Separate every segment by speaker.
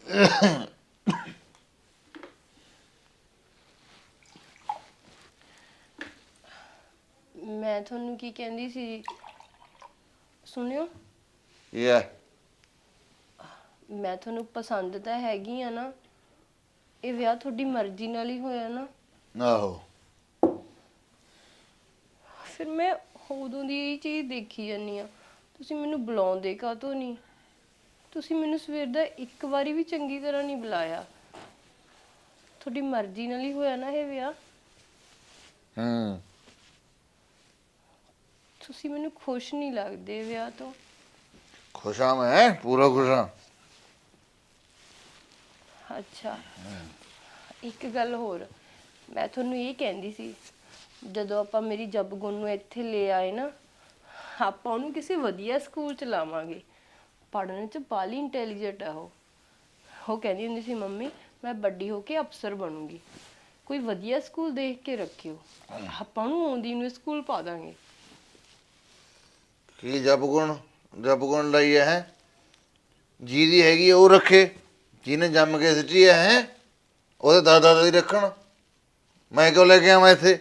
Speaker 1: ਮੈਂ ਤੁਹਾਨੂੰ ਕੀ ਕਹਿੰਦੀ ਸੀ ਸੁਣਿਓ।
Speaker 2: ਯਾ
Speaker 1: ਮੈਂ ਤੁਹਾਨੂੰ ਪਸੰਦ ਤਾਂ ਹੈਗੀ ਆ ਨਾ, ਇਹ ਵਿਆਹ ਤੁਹਾਡੀ ਮਰਜ਼ੀ ਨਾਲ ਹੀ ਹੋਇਆ ਨਾ।
Speaker 2: ਆਹੋ
Speaker 1: ਫਿਰ ਮੈਂ ਉਦੋਂ ਦੀ ਇਹ ਚੀਜ਼ ਦੇਖੀ ਜਾਂਦੀ ਆ, ਤੁਸੀਂ ਮੈਨੂੰ ਬੁਲਾਉਂਦੇ ਕਾਹਤੋਂ ਨਹੀਂ? ਤੁਸੀਂ ਮੈਨੂੰ ਸਵੇਰ ਦਾ ਇੱਕ ਵਾਰੀ ਵੀ ਚੰਗੀ ਤਰ੍ਹਾਂ ਨਹੀਂ ਬੁਲਾਇਆ। ਤੁਹਾਡੀ ਮਰਜ਼ੀ ਨਾਲ ਹੀ ਹੋਇਆ ਨਾ ਇਹ ਵਿਆਹ। ਤੁਸੀਂ ਮੈਨੂੰ ਖੁਸ਼ ਨਹੀਂ ਲੱਗਦੇ ਵਿਆਹ ਤੋਂ।
Speaker 2: ਖੁਸ਼ ਹਾਂ, ਮੈਂ ਪੂਰਾ ਖੁਸ਼ ਹਾਂ।
Speaker 1: ਅੱਛਾ, ਇੱਕ ਗੱਲ ਹੋਰ ਮੈਂ ਤੁਹਾਨੂੰ ਇਹ ਕਹਿੰਦੀ ਸੀ, ਜਦੋਂ ਆਪਾਂ ਮੇਰੀ ਜਪਗੁਣ ਨੂੰ ਇੱਥੇ ਲੈ ਆਏ ਨਾ, ਆਪਾਂ ਉਹਨੂੰ ਕਿਸੇ ਵਧੀਆ ਸਕੂਲ ਚ ਲਾਵਾਂਗੇ। ਪੜ੍ਹਨ ਚ ਬਾਲੀ ਇੰਟੈਲੀਜੈਂਟ ਆ ਉਹ ਕਹਿੰਦੀ ਹੁੰਦੀ ਸੀ ਮੰਮੀ ਮੈਂ ਵੱਡੀ ਹੋ ਕੇ ਅਫਸਰ ਬਣੂੰਗੀ। ਕੋਈ ਵਧੀਆ ਸਕੂਲ ਦੇਖ ਕੇ ਰੱਖਿਓ, ਆਪਾਂ ਉਹਨੂੰ ਆਉਂਦੀ ਨੂੰ ਸਕੂਲ ਪਾ ਦਾਂਗੇ।
Speaker 2: ਕੀ ਜਪਗੁਣ ਲਈ ਹੈ? ਜਿਹਦੀ ਹੈਗੀ ਉਹ ਰੱਖੇ, ਜਿਹਨੇ ਜੰਮ ਕੇ ਸਿੱਟੀ ਹੈ ਉਹਦੇ ਦਾਦਾ ਦੀ ਰੱਖਣ। ਮੈਂ ਕਿਉਂ ਲੈ ਕੇ ਆਵਾਂ ਇੱਥੇ?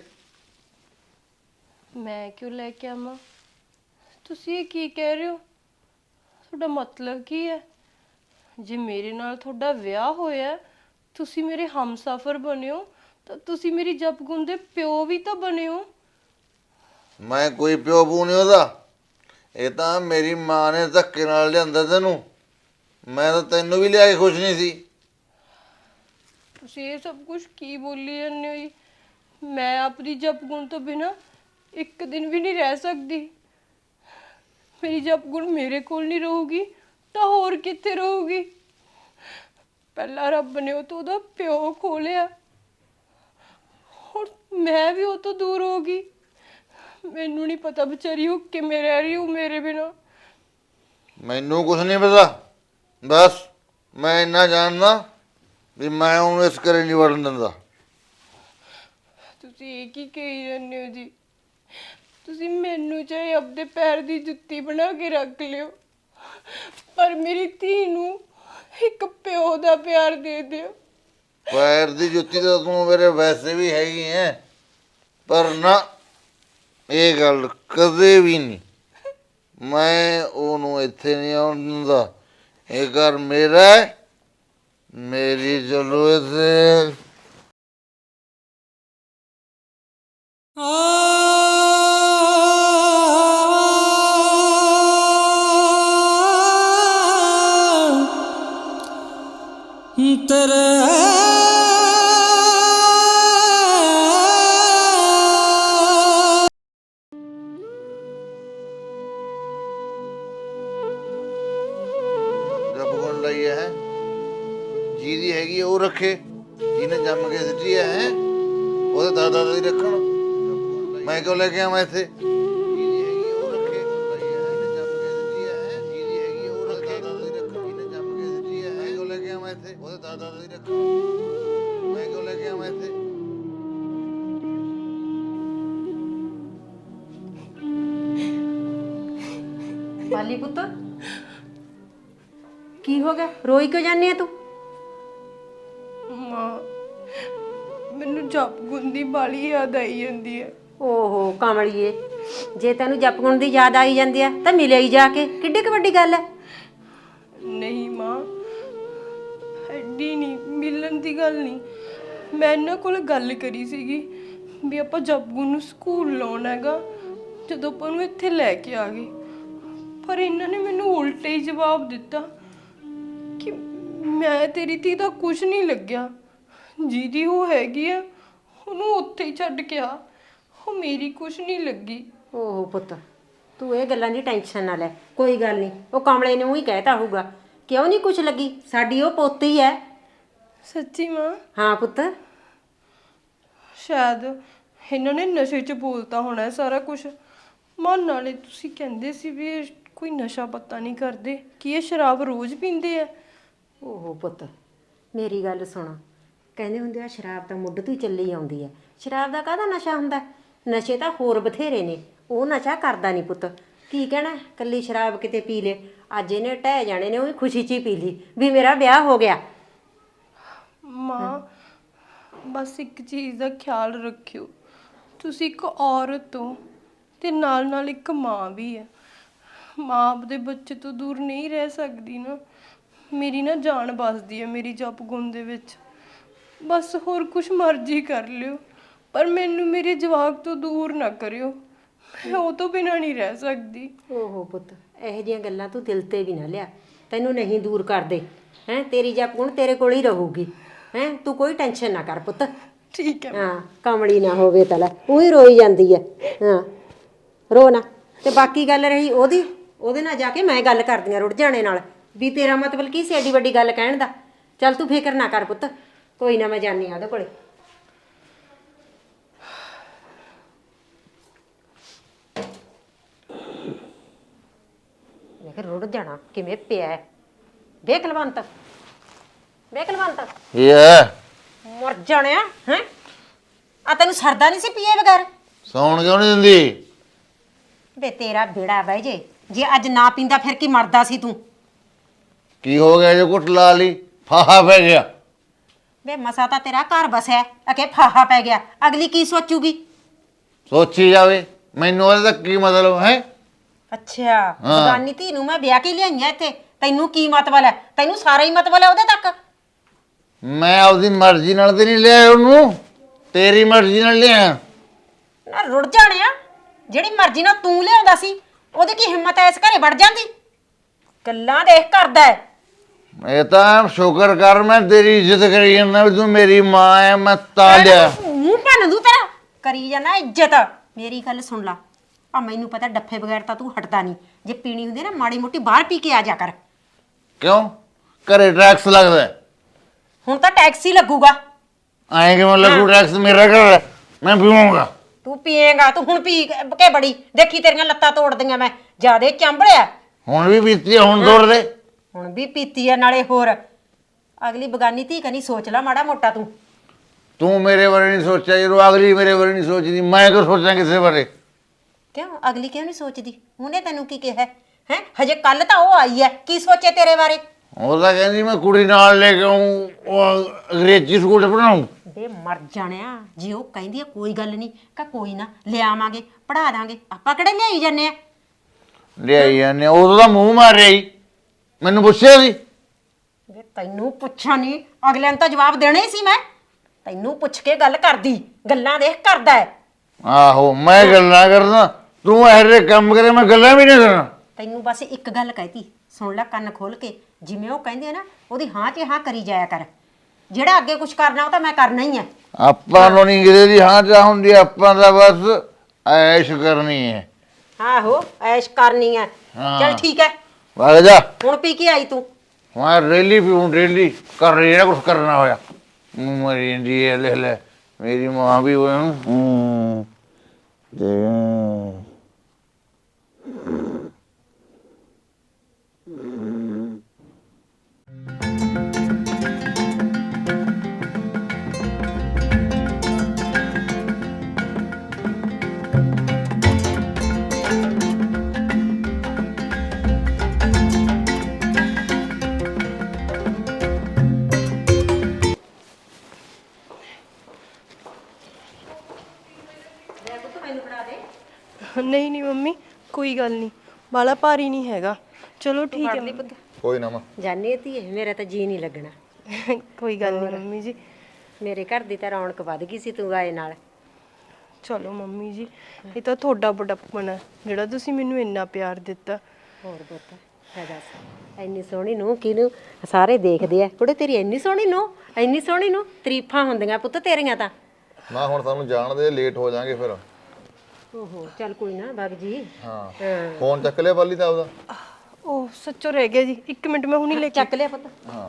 Speaker 1: ਮੈਂ ਕਿਉਂ ਲੈ ਕੇ ਆਵਾਂ? ਤੁਸੀਂ ਇਹ ਕੀ ਕਹਿ ਰਹੇ ਹੋ? ਤੁਹਾਡਾ ਮਤਲਬ ਕੀ ਹੈ? ਜੇ ਮੇਰੇ ਨਾਲ ਤੁਹਾਡਾ ਵਿਆਹ ਹੋਇਆ, ਤੁਸੀਂ ਮੇਰੇ ਹਮਸਫਰ ਬਣਿਓ, ਤਾਂ ਤੁਸੀਂ ਮੇਰੀ ਜਪਗੁਣ ਦੇ ਪਿਓ ਵੀ ਤਾਂ ਬਣਿਓ।
Speaker 2: ਮੈਂ ਕੋਈ ਪਿਓ ਪੂ ਨਹੀਂ ਉਹਦਾ। ਇਹ ਤਾਂ ਮੇਰੀ ਮਾਂ ਨੇ ਧੱਕੇ ਨਾਲ ਲਿਆਂਦਾ ਤੈਨੂੰ। ਮੈਂ ਤਾਂ ਤੈਨੂੰ ਵੀ ਲਿਆ ਕੇ ਖੁਸ਼ ਨਹੀਂ ਸੀ।
Speaker 1: ਤੁਸੀਂ ਇਹ ਸਭ ਕੁਝ ਕੀ ਬੋਲੀ ਜਾਂਦੇ ਹੋ ਜੀ? ਮੈਂ ਆਪਣੀ ਜਪਗੁਣ ਤੋਂ ਬਿਨਾਂ ਇੱਕ ਦਿਨ ਵੀ ਨਹੀਂ ਰਹਿ ਸਕਦੀ। ਮੇਰੀ ਜਪਗੁਣ ਮੇਰੇ ਕੋਲ ਨਹੀਂ ਰਹੂਗੀ ਤਾਂ ਹੋਰ ਕਿੱਥੇ ਰਹੂਗੀ? ਪਹਿਲਾਂ ਰੱਬ ਨੇ ਉਹ ਤੋਂ ਉਹਦਾ ਪਿਓ ਖੋਲਿਆ, ਹੁਣ ਮੈਂ ਵੀ ਉਹ ਤੋਂ ਦੂਰ ਹੋ ਗਈ। ਮੈਨੂੰ ਨਹੀਂ ਪਤਾ ਵਿਚਾਰੀ ਉਹ ਕਿਵੇਂ ਰਹਿ ਰਹੀ ਹੋ ਮੇਰੇ ਬਿਨਾਂ।
Speaker 2: ਮੈਨੂੰ ਕੁਛ ਨਹੀਂ ਪਤਾ, ਬਸ ਮੈਂ ਇੰਨਾ ਜਾਣਦਾ ਵੀ ਮੈਂ ਉਹਨੂੰ ਇਸ ਘਰੇ ਨਹੀਂ ਵੜਨ ਦਿੰਦਾ।
Speaker 1: ਤੁਸੀਂ ਇਹ ਕੀ ਕਹੀ ਜਾਂਦੇ ਹੋ ਜੀ? ਤੁਸੀਂ ਮੈਨੂੰ ਚਾਹੇ ਆਪਦੇ ਪੈਰ ਦੀ ਜੁੱਤੀ ਬਣਾ ਕੇ ਰੱਖ ਲਿਓ, ਪਰ ਮੇਰੀ ਧੀ ਨੂੰ ਇੱਕ ਪਿਓ ਦਾ ਪਿਆਰ ਦੇ ਦਿਓ।
Speaker 2: ਪੈਰ ਦੀ ਜੁੱਤੀ ਤਾਂ ਤੂੰ ਮੇਰੇ ਵੈਸੇ ਵੀ ਹੈਗੀ ਹੈ, ਪਰ ਨਾ ਇਹ ਗੱਲ ਕਦੇ ਵੀ ਨਹੀਂ। ਮੈਂ ਉਹਨੂੰ ਇੱਥੇ ਨਹੀਂ ਆਉਣ ਦਿੰਦਾ। ਇਹ ਘਰ ਮੇਰਾ ਹੈ, ਮੇਰੀ ਚਲੋ ਇੱਥੇ।
Speaker 3: ਤੇਰੇ
Speaker 2: ਜਪਗੁਣ ਲਈ ਹੈ, ਜਿਹਦੀ ਹੈਗੀ ਉਹ ਰੱਖੇ, ਜਿਹਨੇ ਜੰਮ ਕੇ ਸਿੱਟੀ ਹੈ ਉਹਦੇ ਦਾਦਾ ਦੀ ਰੱਖਣ। ਮੈਂ ਕਿਉਂ ਲੈ ਕੇ ਆਵਾਂ ਇੱਥੇ? ਜਿਹਦੀ ਹੈਗੀ ਉਹ ਰੱਖੇ, ਜਿਹਨੇ ਜੰਮ ਕੇ ਸਿੱਟੀ ਹੈ, ਜਿਹਦੀ ਹੈਗੀ ਉਹ ਰੱਖੇ, ਦਾਦਾ ਦੀ ਰੱਖਣ। ਜਿਹਨੇ ਜੰਮ ਕੇ ਸਿੱਟੀ ਹੈ ਮੈਂ ਕਿਉਂ ਲੈ ਕੇ ਆਵਾਂ ਇੱਥੇ? ਉਹਦੇ ਦਾਦਾ ਦੀ ਰੱਖਣ। ਮੈਂ ਕਿਉਂ ਲੈ ਕੇ ਆਵਾਂ ਇੱਥੇ?
Speaker 4: ਪਾਲੀ ਪੁੱਤ ਕੀ ਹੋ ਗਿਆ? ਰੋਈ ਕਿਉਂ ਜਾਂਦੀ ਆ ਤੂੰ?
Speaker 1: ਮਾਂ, ਮੈਨੂੰ ਜਪਗੁਣ ਦੀ ਬਾਲੀ ਯਾਦ ਆਈ ਜਾਂਦੀ ਹੈ।
Speaker 4: ਓਹੋ ਕਮਲੀਏ, ਜੇ ਤੈਨੂੰ ਜਪਗੁਣ ਦੀ ਯਾਦ ਆਈ ਜਾਂਦੀ ਆ ਤਾਂ ਮਿਲੇ ਹੀ ਜਾ ਕੇ, ਕਿੱਡੀ ਕੁ ਵੱਡੀ ਗੱਲ ਹੈ।
Speaker 1: ਨਹੀਂ ਮਾਂ, ਐਡੀ ਨਹੀਂ, ਮਿਲਣ ਦੀ ਗੱਲ ਨਹੀਂ। ਮੈਂ ਇਹਨਾਂ ਕੋਲ ਗੱਲ ਕਰੀ ਸੀਗੀ ਵੀ ਆਪਾਂ ਜਪਗੁਣ ਨੂੰ ਸਕੂਲ ਲਾਉਣਾ ਹੈਗਾ ਜਦੋਂ ਆਪਾਂ ਨੂੰ ਇੱਥੇ ਲੈ ਕੇ ਆ ਗਏ, ਪਰ ਇਹਨਾਂ ਨੇ ਮੈਨੂੰ ਉਲਟਾ ਹੀ ਜਵਾਬ ਦਿੱਤਾ ਕਿ ਮੈਂ ਤੇਰੀ ਧੀ ਦਾ ਕੁਝ ਨਹੀਂ ਲੱਗਿਆ, ਜਿਹਦੀ ਉਹ ਹੈਗੀ ਆ ਉਹਨੂੰ ਉੱਥੇ ਹੀ ਛੱਡ ਕੇ ਆ, ਉਹ ਮੇਰੀ ਕੁਝ ਨਹੀਂ ਲੱਗੀ।
Speaker 4: ਓਹੋ ਪੁੱਤ, ਤੂੰ ਇਹ ਗੱਲਾਂ ਦੀ ਟੈਨਸ਼ਨ ਨਾ ਲੈ, ਕੋਈ ਗੱਲ ਨਹੀਂ। ਉਹ ਕਮਲੇ ਨੇ ਹੀ ਕਹਿਤਾ ਹੋਊਗਾ, ਕਿਉਂ ਨਹੀਂ ਕੁਛ ਲੱਗੀ, ਸਾਡੀ ਉਹ ਪੋਤੀ ਹੈ।
Speaker 1: ਸੱਚੀ ਮਾਂ?
Speaker 4: ਹਾਂ ਪੁੱਤ।
Speaker 1: ਸ਼ਾਇਦ ਇਹਨਾਂ ਨੇ ਨਸ਼ੇ 'ਚ ਬੋਲਤਾ ਹੋਣਾ ਸਾਰਾ ਕੁਝ। ਮਾਂ ਨਾਲੇ ਤੁਸੀਂ ਕਹਿੰਦੇ ਸੀ ਵੀ ਇਹ ਕੋਈ ਨਸ਼ਾ ਪੱਤਾ ਨਹੀਂ ਕਰਦੇ, ਕੀ ਇਹ ਸ਼ਰਾਬ ਰੋਜ਼ ਪੀਂਦੇ ਆ?
Speaker 4: ਓਹੋ ਪੁੱਤ, ਮੇਰੀ ਗੱਲ ਸੁਣ, ਕਹਿੰਦੇ ਹੁੰਦੇ ਆ ਸ਼ਰਾਬ ਤਾਂ ਮੁੱਢ ਤੋਂ ਹੀ ਚੱਲੀ ਆਉਂਦੀ ਹੈ। ਸ਼ਰਾਬ ਦਾ ਕਾਹਦਾ ਨਸ਼ਾ ਹੁੰਦਾ? ਨਸ਼ੇ ਤਾਂ ਹੋਰ ਬਥੇਰੇ ਨੇ, ਉਹ ਨਸ਼ਾ ਕਰਦਾ ਨਹੀਂ ਪੁੱਤ। ਕੀ ਕਹਿਣਾ ਕੱਲੀ ਸ਼ਰਾਬ ਕਿਤੇ ਪੀ ਲੇ, ਅੱਜ ਇਹਨੇ ਢਹਿ ਜਾਣੇ ਨੇ, ਉਹ ਵੀ ਖੁਸ਼ੀ 'ਚ ਹੀ ਪੀ ਲਈ ਵੀ ਮੇਰਾ ਵਿਆਹ ਹੋ ਗਿਆ।
Speaker 1: ਮਾਂ ਬਸ ਇੱਕ ਚੀਜ਼ ਦਾ ਖਿਆਲ ਰੱਖਿਓ, ਤੁਸੀਂ ਇੱਕ ਔਰਤ ਹੋ ਤੇ ਨਾਲ ਨਾਲ ਇੱਕ ਮਾਂ ਵੀ ਹੈ। ਮਾਂ ਆਪਦੇ ਬੱਚੇ ਤੋਂ ਦੂਰ ਨਹੀਂ ਰਹਿ ਸਕਦੀ ਨਾ। ਮੇਰੀ ਨਾ ਜਾਨ ਬਸਦੀ ਹੈ ਮੇਰੀ ਜਪ ਗੁਣ ਦੇ ਵਿੱਚ। ਬਸ ਹੋਰ ਕੁਛ ਮਰਜ਼ੀ ਕਰ ਲਿਓ, ਪਰ ਮੈਨੂੰ ਮੇਰੇ ਜਵਾਕ ਤੋਂ ਦੂਰ ਨਾ ਕਰਿਓ। ਮੈਂ ਉਹ ਤੋਂ ਬਿਨਾਂ ਨਹੀਂ ਰਹਿ ਸਕਦੀ।
Speaker 4: ਓਹੋ ਪੁੱਤ, ਇਹੋ ਜਿਹੀਆਂ ਗੱਲਾਂ ਤੂੰ ਦਿਲ ਤੇ ਵੀ ਨਾ ਲਿਆ। ਤੈਨੂੰ ਨਹੀਂ ਦੂਰ ਕਰਦੇ ਹੈ, ਤੇਰੀ ਜਪ ਗੁਣ ਤੇਰੇ ਕੋਲ ਹੀ ਰਹੂਗੀ। ਹੈ ਤੂੰ ਕੋਈ ਟੈਨਸ਼ਨ ਨਾ ਕਰ ਪੁੱਤ।
Speaker 1: ਠੀਕ ਹੈ।
Speaker 4: ਹਾਂ ਕਮਲੀ ਨਾ ਹੋਵੇ ਤਾਂ ਲੈ ਉਹੀ ਰੋਈ ਜਾਂਦੀ ਹੈ। ਹਾਂ ਰੋ ਨਾ। ਤੇ ਬਾਕੀ ਗੱਲ ਰਹੀ ਉਹਦੀ, ਉਹਦੇ ਨਾਲ ਜਾ ਕੇ ਮੈਂ ਗੱਲ ਕਰਦੀ ਹਾਂ ਰੁੜ ਜਾਣੇ ਨਾਲ, ਵੀ ਤੇਰਾ ਮਤਲਬ ਕੀ ਸੀ ਐਡੀ ਵੱਡੀ ਗੱਲ ਕਹਿਣ ਦਾ। ਚੱਲ ਤੂੰ ਫਿਕਰ ਨਾ ਕਰ ਪੁੱਤ, ਕੋਈ ਨਾ ਮੈਂ ਜਾਣੀ ਆ ਉਹਦੇ ਕੋਲੇ। ਮੈਂ ਕਿਹਾ ਰੁੜ ਜਾਣਾ ਕਿਵੇਂ ਪਿਆ ਹੈ। ਵੇਖ ਕੁਲਵੰਤ, ਵੇਖ ਕੁਲਵੰਤ,
Speaker 2: ਇਹ ਹੈ
Speaker 4: ਮਰ ਜਾਣਿਆ ਹੈ। ਆ ਤੈਨੂੰ ਸਰਦਾ ਨਹੀਂ ਸੀ ਪੀਏ ਬਗੈਰ?
Speaker 2: ਸੌਣ ਕਿਉਂ ਨਹੀਂ ਦਿੰਦੀ?
Speaker 4: ਵੇ ਤੇਰਾ ਬੇੜਾ ਬਹਿ ਜੇ ਅੱਜ ਨਾ ਪੀਂਦਾ ਫਿਰ ਕੀ ਮਰਦਾ ਸੀ ਤੂੰ?
Speaker 2: ਕੀ ਹੋ ਗਿਆ ਜੇ ਕੁੱਟ ਲਾ ਲਈ, ਫਾਹਾ ਪੈ ਗਿਆ?
Speaker 4: ਵੇ ਮਸਾ ਤਾਂ ਤੇਰਾ ਘਰ ਬਸਿਆ ਅਕੇ ਫਾਹਾ ਪੈ ਗਿਆ, ਅਗਲੀ ਕੀ ਸੋਚੂਗੀ?
Speaker 2: ਸੋਚੀ ਜਾਵੇ, ਮੈਨੂੰ ਉਹਦਾ ਕੀ ਮਤਲਬ ਹੈ?
Speaker 4: ਅੱਛਾ ਬਗਾਨੀ ਧੀ ਨੂੰ ਮੈਂ ਵਿਆਹ ਕੇ ਲਿਆਈਆਂ ਇੱਥੇ, ਤੈਨੂੰ ਕੀ ਮਤਲਬ ਹੈ? ਤੈਨੂੰ ਸਾਰਾ ਹੀ ਮਤਲਬ ਹੈ ਉਹਦੇ ਤੱਕ।
Speaker 2: ਮੈਂ ਆਪਦੀ ਮਰਜ਼ੀ ਨਾਲ ਤੇ ਨਹੀਂ ਲਿਆ ਉਹਨੂੰ, ਤੇਰੀ ਮਰਜ਼ੀ ਨਾਲ ਲਿਆ।
Speaker 4: ਨਾ ਰੁੜ ਜਾਣਿਆ, ਜਿਹੜੀ ਮਰਜ਼ੀ ਨਾਲ ਤੂੰ ਲਿਆਉਂਦਾ ਸੀ ਉਹਦੀ ਕੀ ਹਿੰਮਤ ਐ ਇਸ ਘਰੇ ਵੜ ਜਾਂਦੀ? ਗੱਲਾਂ ਦੇਖ ਕਰਦਾ ਹੈ।
Speaker 2: ਇਹ ਤਾਂ ਸ਼ੁਕਰ ਕਰ ਮੈਂ ਤੇਰੀ ਇੱਜ਼ਤ ਕਰੀ ਜਾਂਦਾ ਵੀ ਤੂੰ ਮੇਰੀ ਮਾਂ ਹੈ, ਮੈਂ ਤਾਂ ਲਿਆ।
Speaker 4: ਮੂੰਹ ਭੰਨ ਦੂ ਤੇਰਾ, ਕਰੀ ਜਾਣਾ ਇੱਜ਼ਤ। ਮੇਰੀ ਗੱਲ ਸੁਣ ਲਾ, ਆ ਮੈਨੂੰ ਪਤਾ ਡੱਫੇ ਬਗੈਰ ਤਾਂ ਤੂੰ ਹਟਦਾ ਨਹੀਂ। ਜੇ ਪੀਣੀ ਹੁੰਦੀ ਨਾ ਮਾੜੀ ਮੋਟੀ ਬਾਹਰ ਪੀ ਕੇ ਆ ਜਾ ਕਰ।
Speaker 2: ਕਿਉਂ ਘਰੇ ਟੈਕਸ ਲੱਗਦਾ ਹੈ?
Speaker 4: ਹੁਣ ਤਾਂ ਟੈਕਸੀ ਲੱਗੂਗਾ।
Speaker 2: ਐਂ ਕਿਵੇਂ ਲੱਗੂ ਟੈਕਸ? ਮੇਰਾ ਘਰ ਹੈ, ਮੈਂ ਪੀਵਾਂਗਾ।
Speaker 4: ਤੂੰ ਪੀਏਗਾ, ਤੂੰ ਹੁਣ ਪੀ ਕੇ ਬੜੀ ਦੇਖੀ ਤੇਰੀਆਂ ਲੱਤਾਂ ਤੋੜਦੀਆਂ ਮੈਂ। ਜਿਆਦੇ ਚੰਬੜਿਆ।
Speaker 2: ਹੁਣ ਵੀ ਪੀਤੀ, ਹੁਣ ਤੋੜ ਦੇ।
Speaker 4: ਹੁਣ ਵੀ ਪੀਤੀ ਆ ਨਾਲੇ ਹੋਰ। ਅਗਲੀ ਬਗਾਨੀ ਧੀ ਕਨੀ ਸੋਚ ਲਾ ਮਾੜਾ ਮੋਟਾ ਤੂੰ।
Speaker 2: ਤੂੰ ਮੇਰੇ ਬਾਰੇ ਨਹੀਂ ਸੋਚਿਆ, ਜਦੋਂ ਅਗਲੀ ਮੇਰੇ ਬਾਰੇ ਨਹੀਂ ਸੋਚਦੀ, ਮੈਂ ਕਿਉਂ ਸੋਚਾਂ ਕਿਸੇ ਬਾਰੇ?
Speaker 4: ਕਿਉਂ ਅਗਲੀ ਕਿਉਂ ਨਹੀਂ ਸੋਚਦੀ? ਉਹਨੇ ਤੈਨੂੰ ਕੀ ਕਿਹਾ ਹੈ? ਹਜੇ ਕੱਲ ਤਾਂ ਉਹ ਆਈ ਹੈ, ਕੀ ਸੋਚੇ ਤੇਰੇ ਬਾਰੇ?
Speaker 2: ਉਹ ਤਾਂ ਕਹਿੰਦੀ ਮੈਂ ਕੁੜੀ ਨਾਲ ਲੈ ਕੇ ਆਊਂ, ਉਹ ਅੰਗਰੇਜ਼ੀ ਸਕੂਲ 'ਚ ਪੜ੍ਹਾਊਂ।
Speaker 4: ਬੇ ਮਰ ਜਾਣਿਆ, ਜੇ ਉਹ ਕਹਿੰਦੀ ਆ ਕੋਈ ਗੱਲ ਨਹੀਂ ਕਾ ਕੋਈ ਨਾ ਲਿਆਵਾਂਗੇ ਪੜਾ ਦਾਂਗੇ, ਆਪਾਂ ਕਿਹੜੇ ਲਿਆਈ ਜਾਂਦੇ ਆ?
Speaker 2: ਲਿਆਈ ਜਾਂਦੇ, ਉਦੋਂ ਤਾਂ ਮੂੰਹ ਮਾਰਿਆ ਹੀ, ਮੈਨੂੰ ਪੁੱਛਿਆ ਸੀ?
Speaker 4: ਵੇ ਤੈਨੂੰ ਪੁੱਛਾਂ ਨਹੀਂ, ਅਗਲੇ ਨੂੰ ਤਾਂ ਜਵਾਬ ਦੇਣਾ ਹੀ ਸੀ ਮੈਂ। ਤੈਨੂੰ ਪੁੱਛ ਕੇ ਗੱਲ ਕਰਦੀ, ਗੱਲਾਂ ਦੇਖ ਕਰਦਾ ਹੈ।
Speaker 2: ਆਹੋ ਮੈਂ ਗੱਲਾਂ ਕਰਦਾ, ਤੂੰ ਇਹੋ ਜਿਹੇ ਕੰਮ ਕਰੇ ਮੈਂ ਗੱਲਾਂ ਵੀ ਨਹੀਂ ਕਰਨਾ।
Speaker 4: ਤੈਨੂੰ ਬਸ ਇੱਕ ਗੱਲ ਕਹਿਤੀ, ਸੁਣ ਲੈ ਕੰਨ ਖੋਲ ਕੇ। ਜਿਵੇਂ ਉਹ ਕਹਿੰਦੇ ਆ ਨਾ, ਉਹਦੀ ਹਾਂ 'ਚ ਹਾਂ ਕਰੀ ਜਾਇਆ ਕਰ। ਜਿਹੜਾ ਅੱਗੇ ਕੁਝ ਕਰਨਾ ਉਹ ਤਾਂ ਮੈਂ ਕਰਨਾ ਹੀ ਹੈ।
Speaker 2: ਆਪਾਂ ਨੂੰ ਨਹੀਂ ਕਿਤੇ ਦੀ ਹਾਂ ਚਾਹ ਹੁੰਦੀ, ਆਪਾਂ ਦਾ ਬਸ ਐਸ਼ ਕਰਨੀ ਹੈ।
Speaker 4: ਆਹੋ ਐਸ਼ ਕਰਨੀ ਹੈ। ਚਲ ਠੀਕ ਹੈ,
Speaker 2: ਵਗ ਜਾ।
Speaker 4: ਹੁਣ ਪੀ ਕੇ ਆਈ ਤੂੰ।
Speaker 2: ਮੈਂ ਰੈਲੀ ਪੀਉਂ, ਰੈਲੀ ਕਰ ਜਿਹੜਾ ਕੁਛ ਕਰਨਾ ਹੋਇਆ। ਮਰੀ ਜਾਂਦੀ ਹੈ, ਲੈ ਲੈ ਮੇਰੀ ਮਾਂ ਵੀ ਹੋਇਆ ਤੇ
Speaker 1: ਨਹੀਂ ਨਹੀਂ ਮੰਮੀ, ਕੋਈ ਗੱਲ ਨਹੀਂ, ਬਾਲਾ ਭਾਰੀ ਨਹੀਂ ਹੈਗਾ। ਚਲੋ ਠੀਕ ਹੈ ਮੰਮੀ।
Speaker 2: ਕੋਈ ਨਾ ਮਾਂ
Speaker 4: ਜਾਨੀ ਧੀਏ, ਮੇਰਾ ਤਾਂ ਜੀ ਨਹੀਂ ਲੱਗਣਾ।
Speaker 1: ਕੋਈ ਗੱਲ ਨਹੀਂ ਮੰਮੀ ਜੀ।
Speaker 4: ਮੇਰੇ ਘਰ ਦੀ ਤਾਂ ਰੌਣਕ ਵੱਧ ਗਈ ਸੀ ਤੂੰ ਆਏ ਨਾਲ।
Speaker 1: ਚਲੋ ਮੰਮੀ ਜੀ, ਇਹ ਤਾਂ ਤੁਹਾਡਾ ਬੜਾਪਨ ਹੈ ਜਿਹੜਾ ਤੁਸੀਂ ਮੈਨੂੰ ਇੰਨਾ ਪਿਆਰ ਦਿੱਤਾ।
Speaker 4: ਹੋਰ ਪੁੱਤ ਹੈ ਦੱਸ, ਇੰਨੀ ਸੋਹਣੀ ਨੂੰ ਕਿਹਨੂੰ ਸਾਰੇ ਦੇਖਦੇ ਆ। ਕੁੜੇ ਤੇਰੀ ਇੰਨੀ ਸੋਹਣੀ ਨੂੰ, ਇੰਨੀ ਸੋਹਣੀ ਨੂੰ ਤਾਰੀਫਾਂ ਹੁੰਦੀਆਂ ਪੁੱਤ ਤੇਰੀਆਂ ਤਾਂ।
Speaker 5: ਨਾ ਹੁਣ ਸਾਨੂੰ ਜਾਣਦੇ, ਲੇਟ ਹੋ ਜਾਾਂਗੇ ਫਿਰ।
Speaker 4: ਓਹੋ ਚੱਲ ਕੋਈ ਨਾ ਬਾਗ ਜੀ।
Speaker 5: ਹਾਂ ਫੋਨ ਚੱਕ ਲਿਆ ਪਾਲੀ ਦਾ ਉਹਦਾ?
Speaker 1: ਉਹ ਸੱਚੋ ਰਹਿ ਗਿਆ ਜੀ, 1 ਮਿੰਟ ਮੈਂ ਹੁਣੀ ਲੈ ਕੇ
Speaker 4: ਚੱਕ ਲਿਆ ਪੁੱਤ।
Speaker 5: ਹਾਂ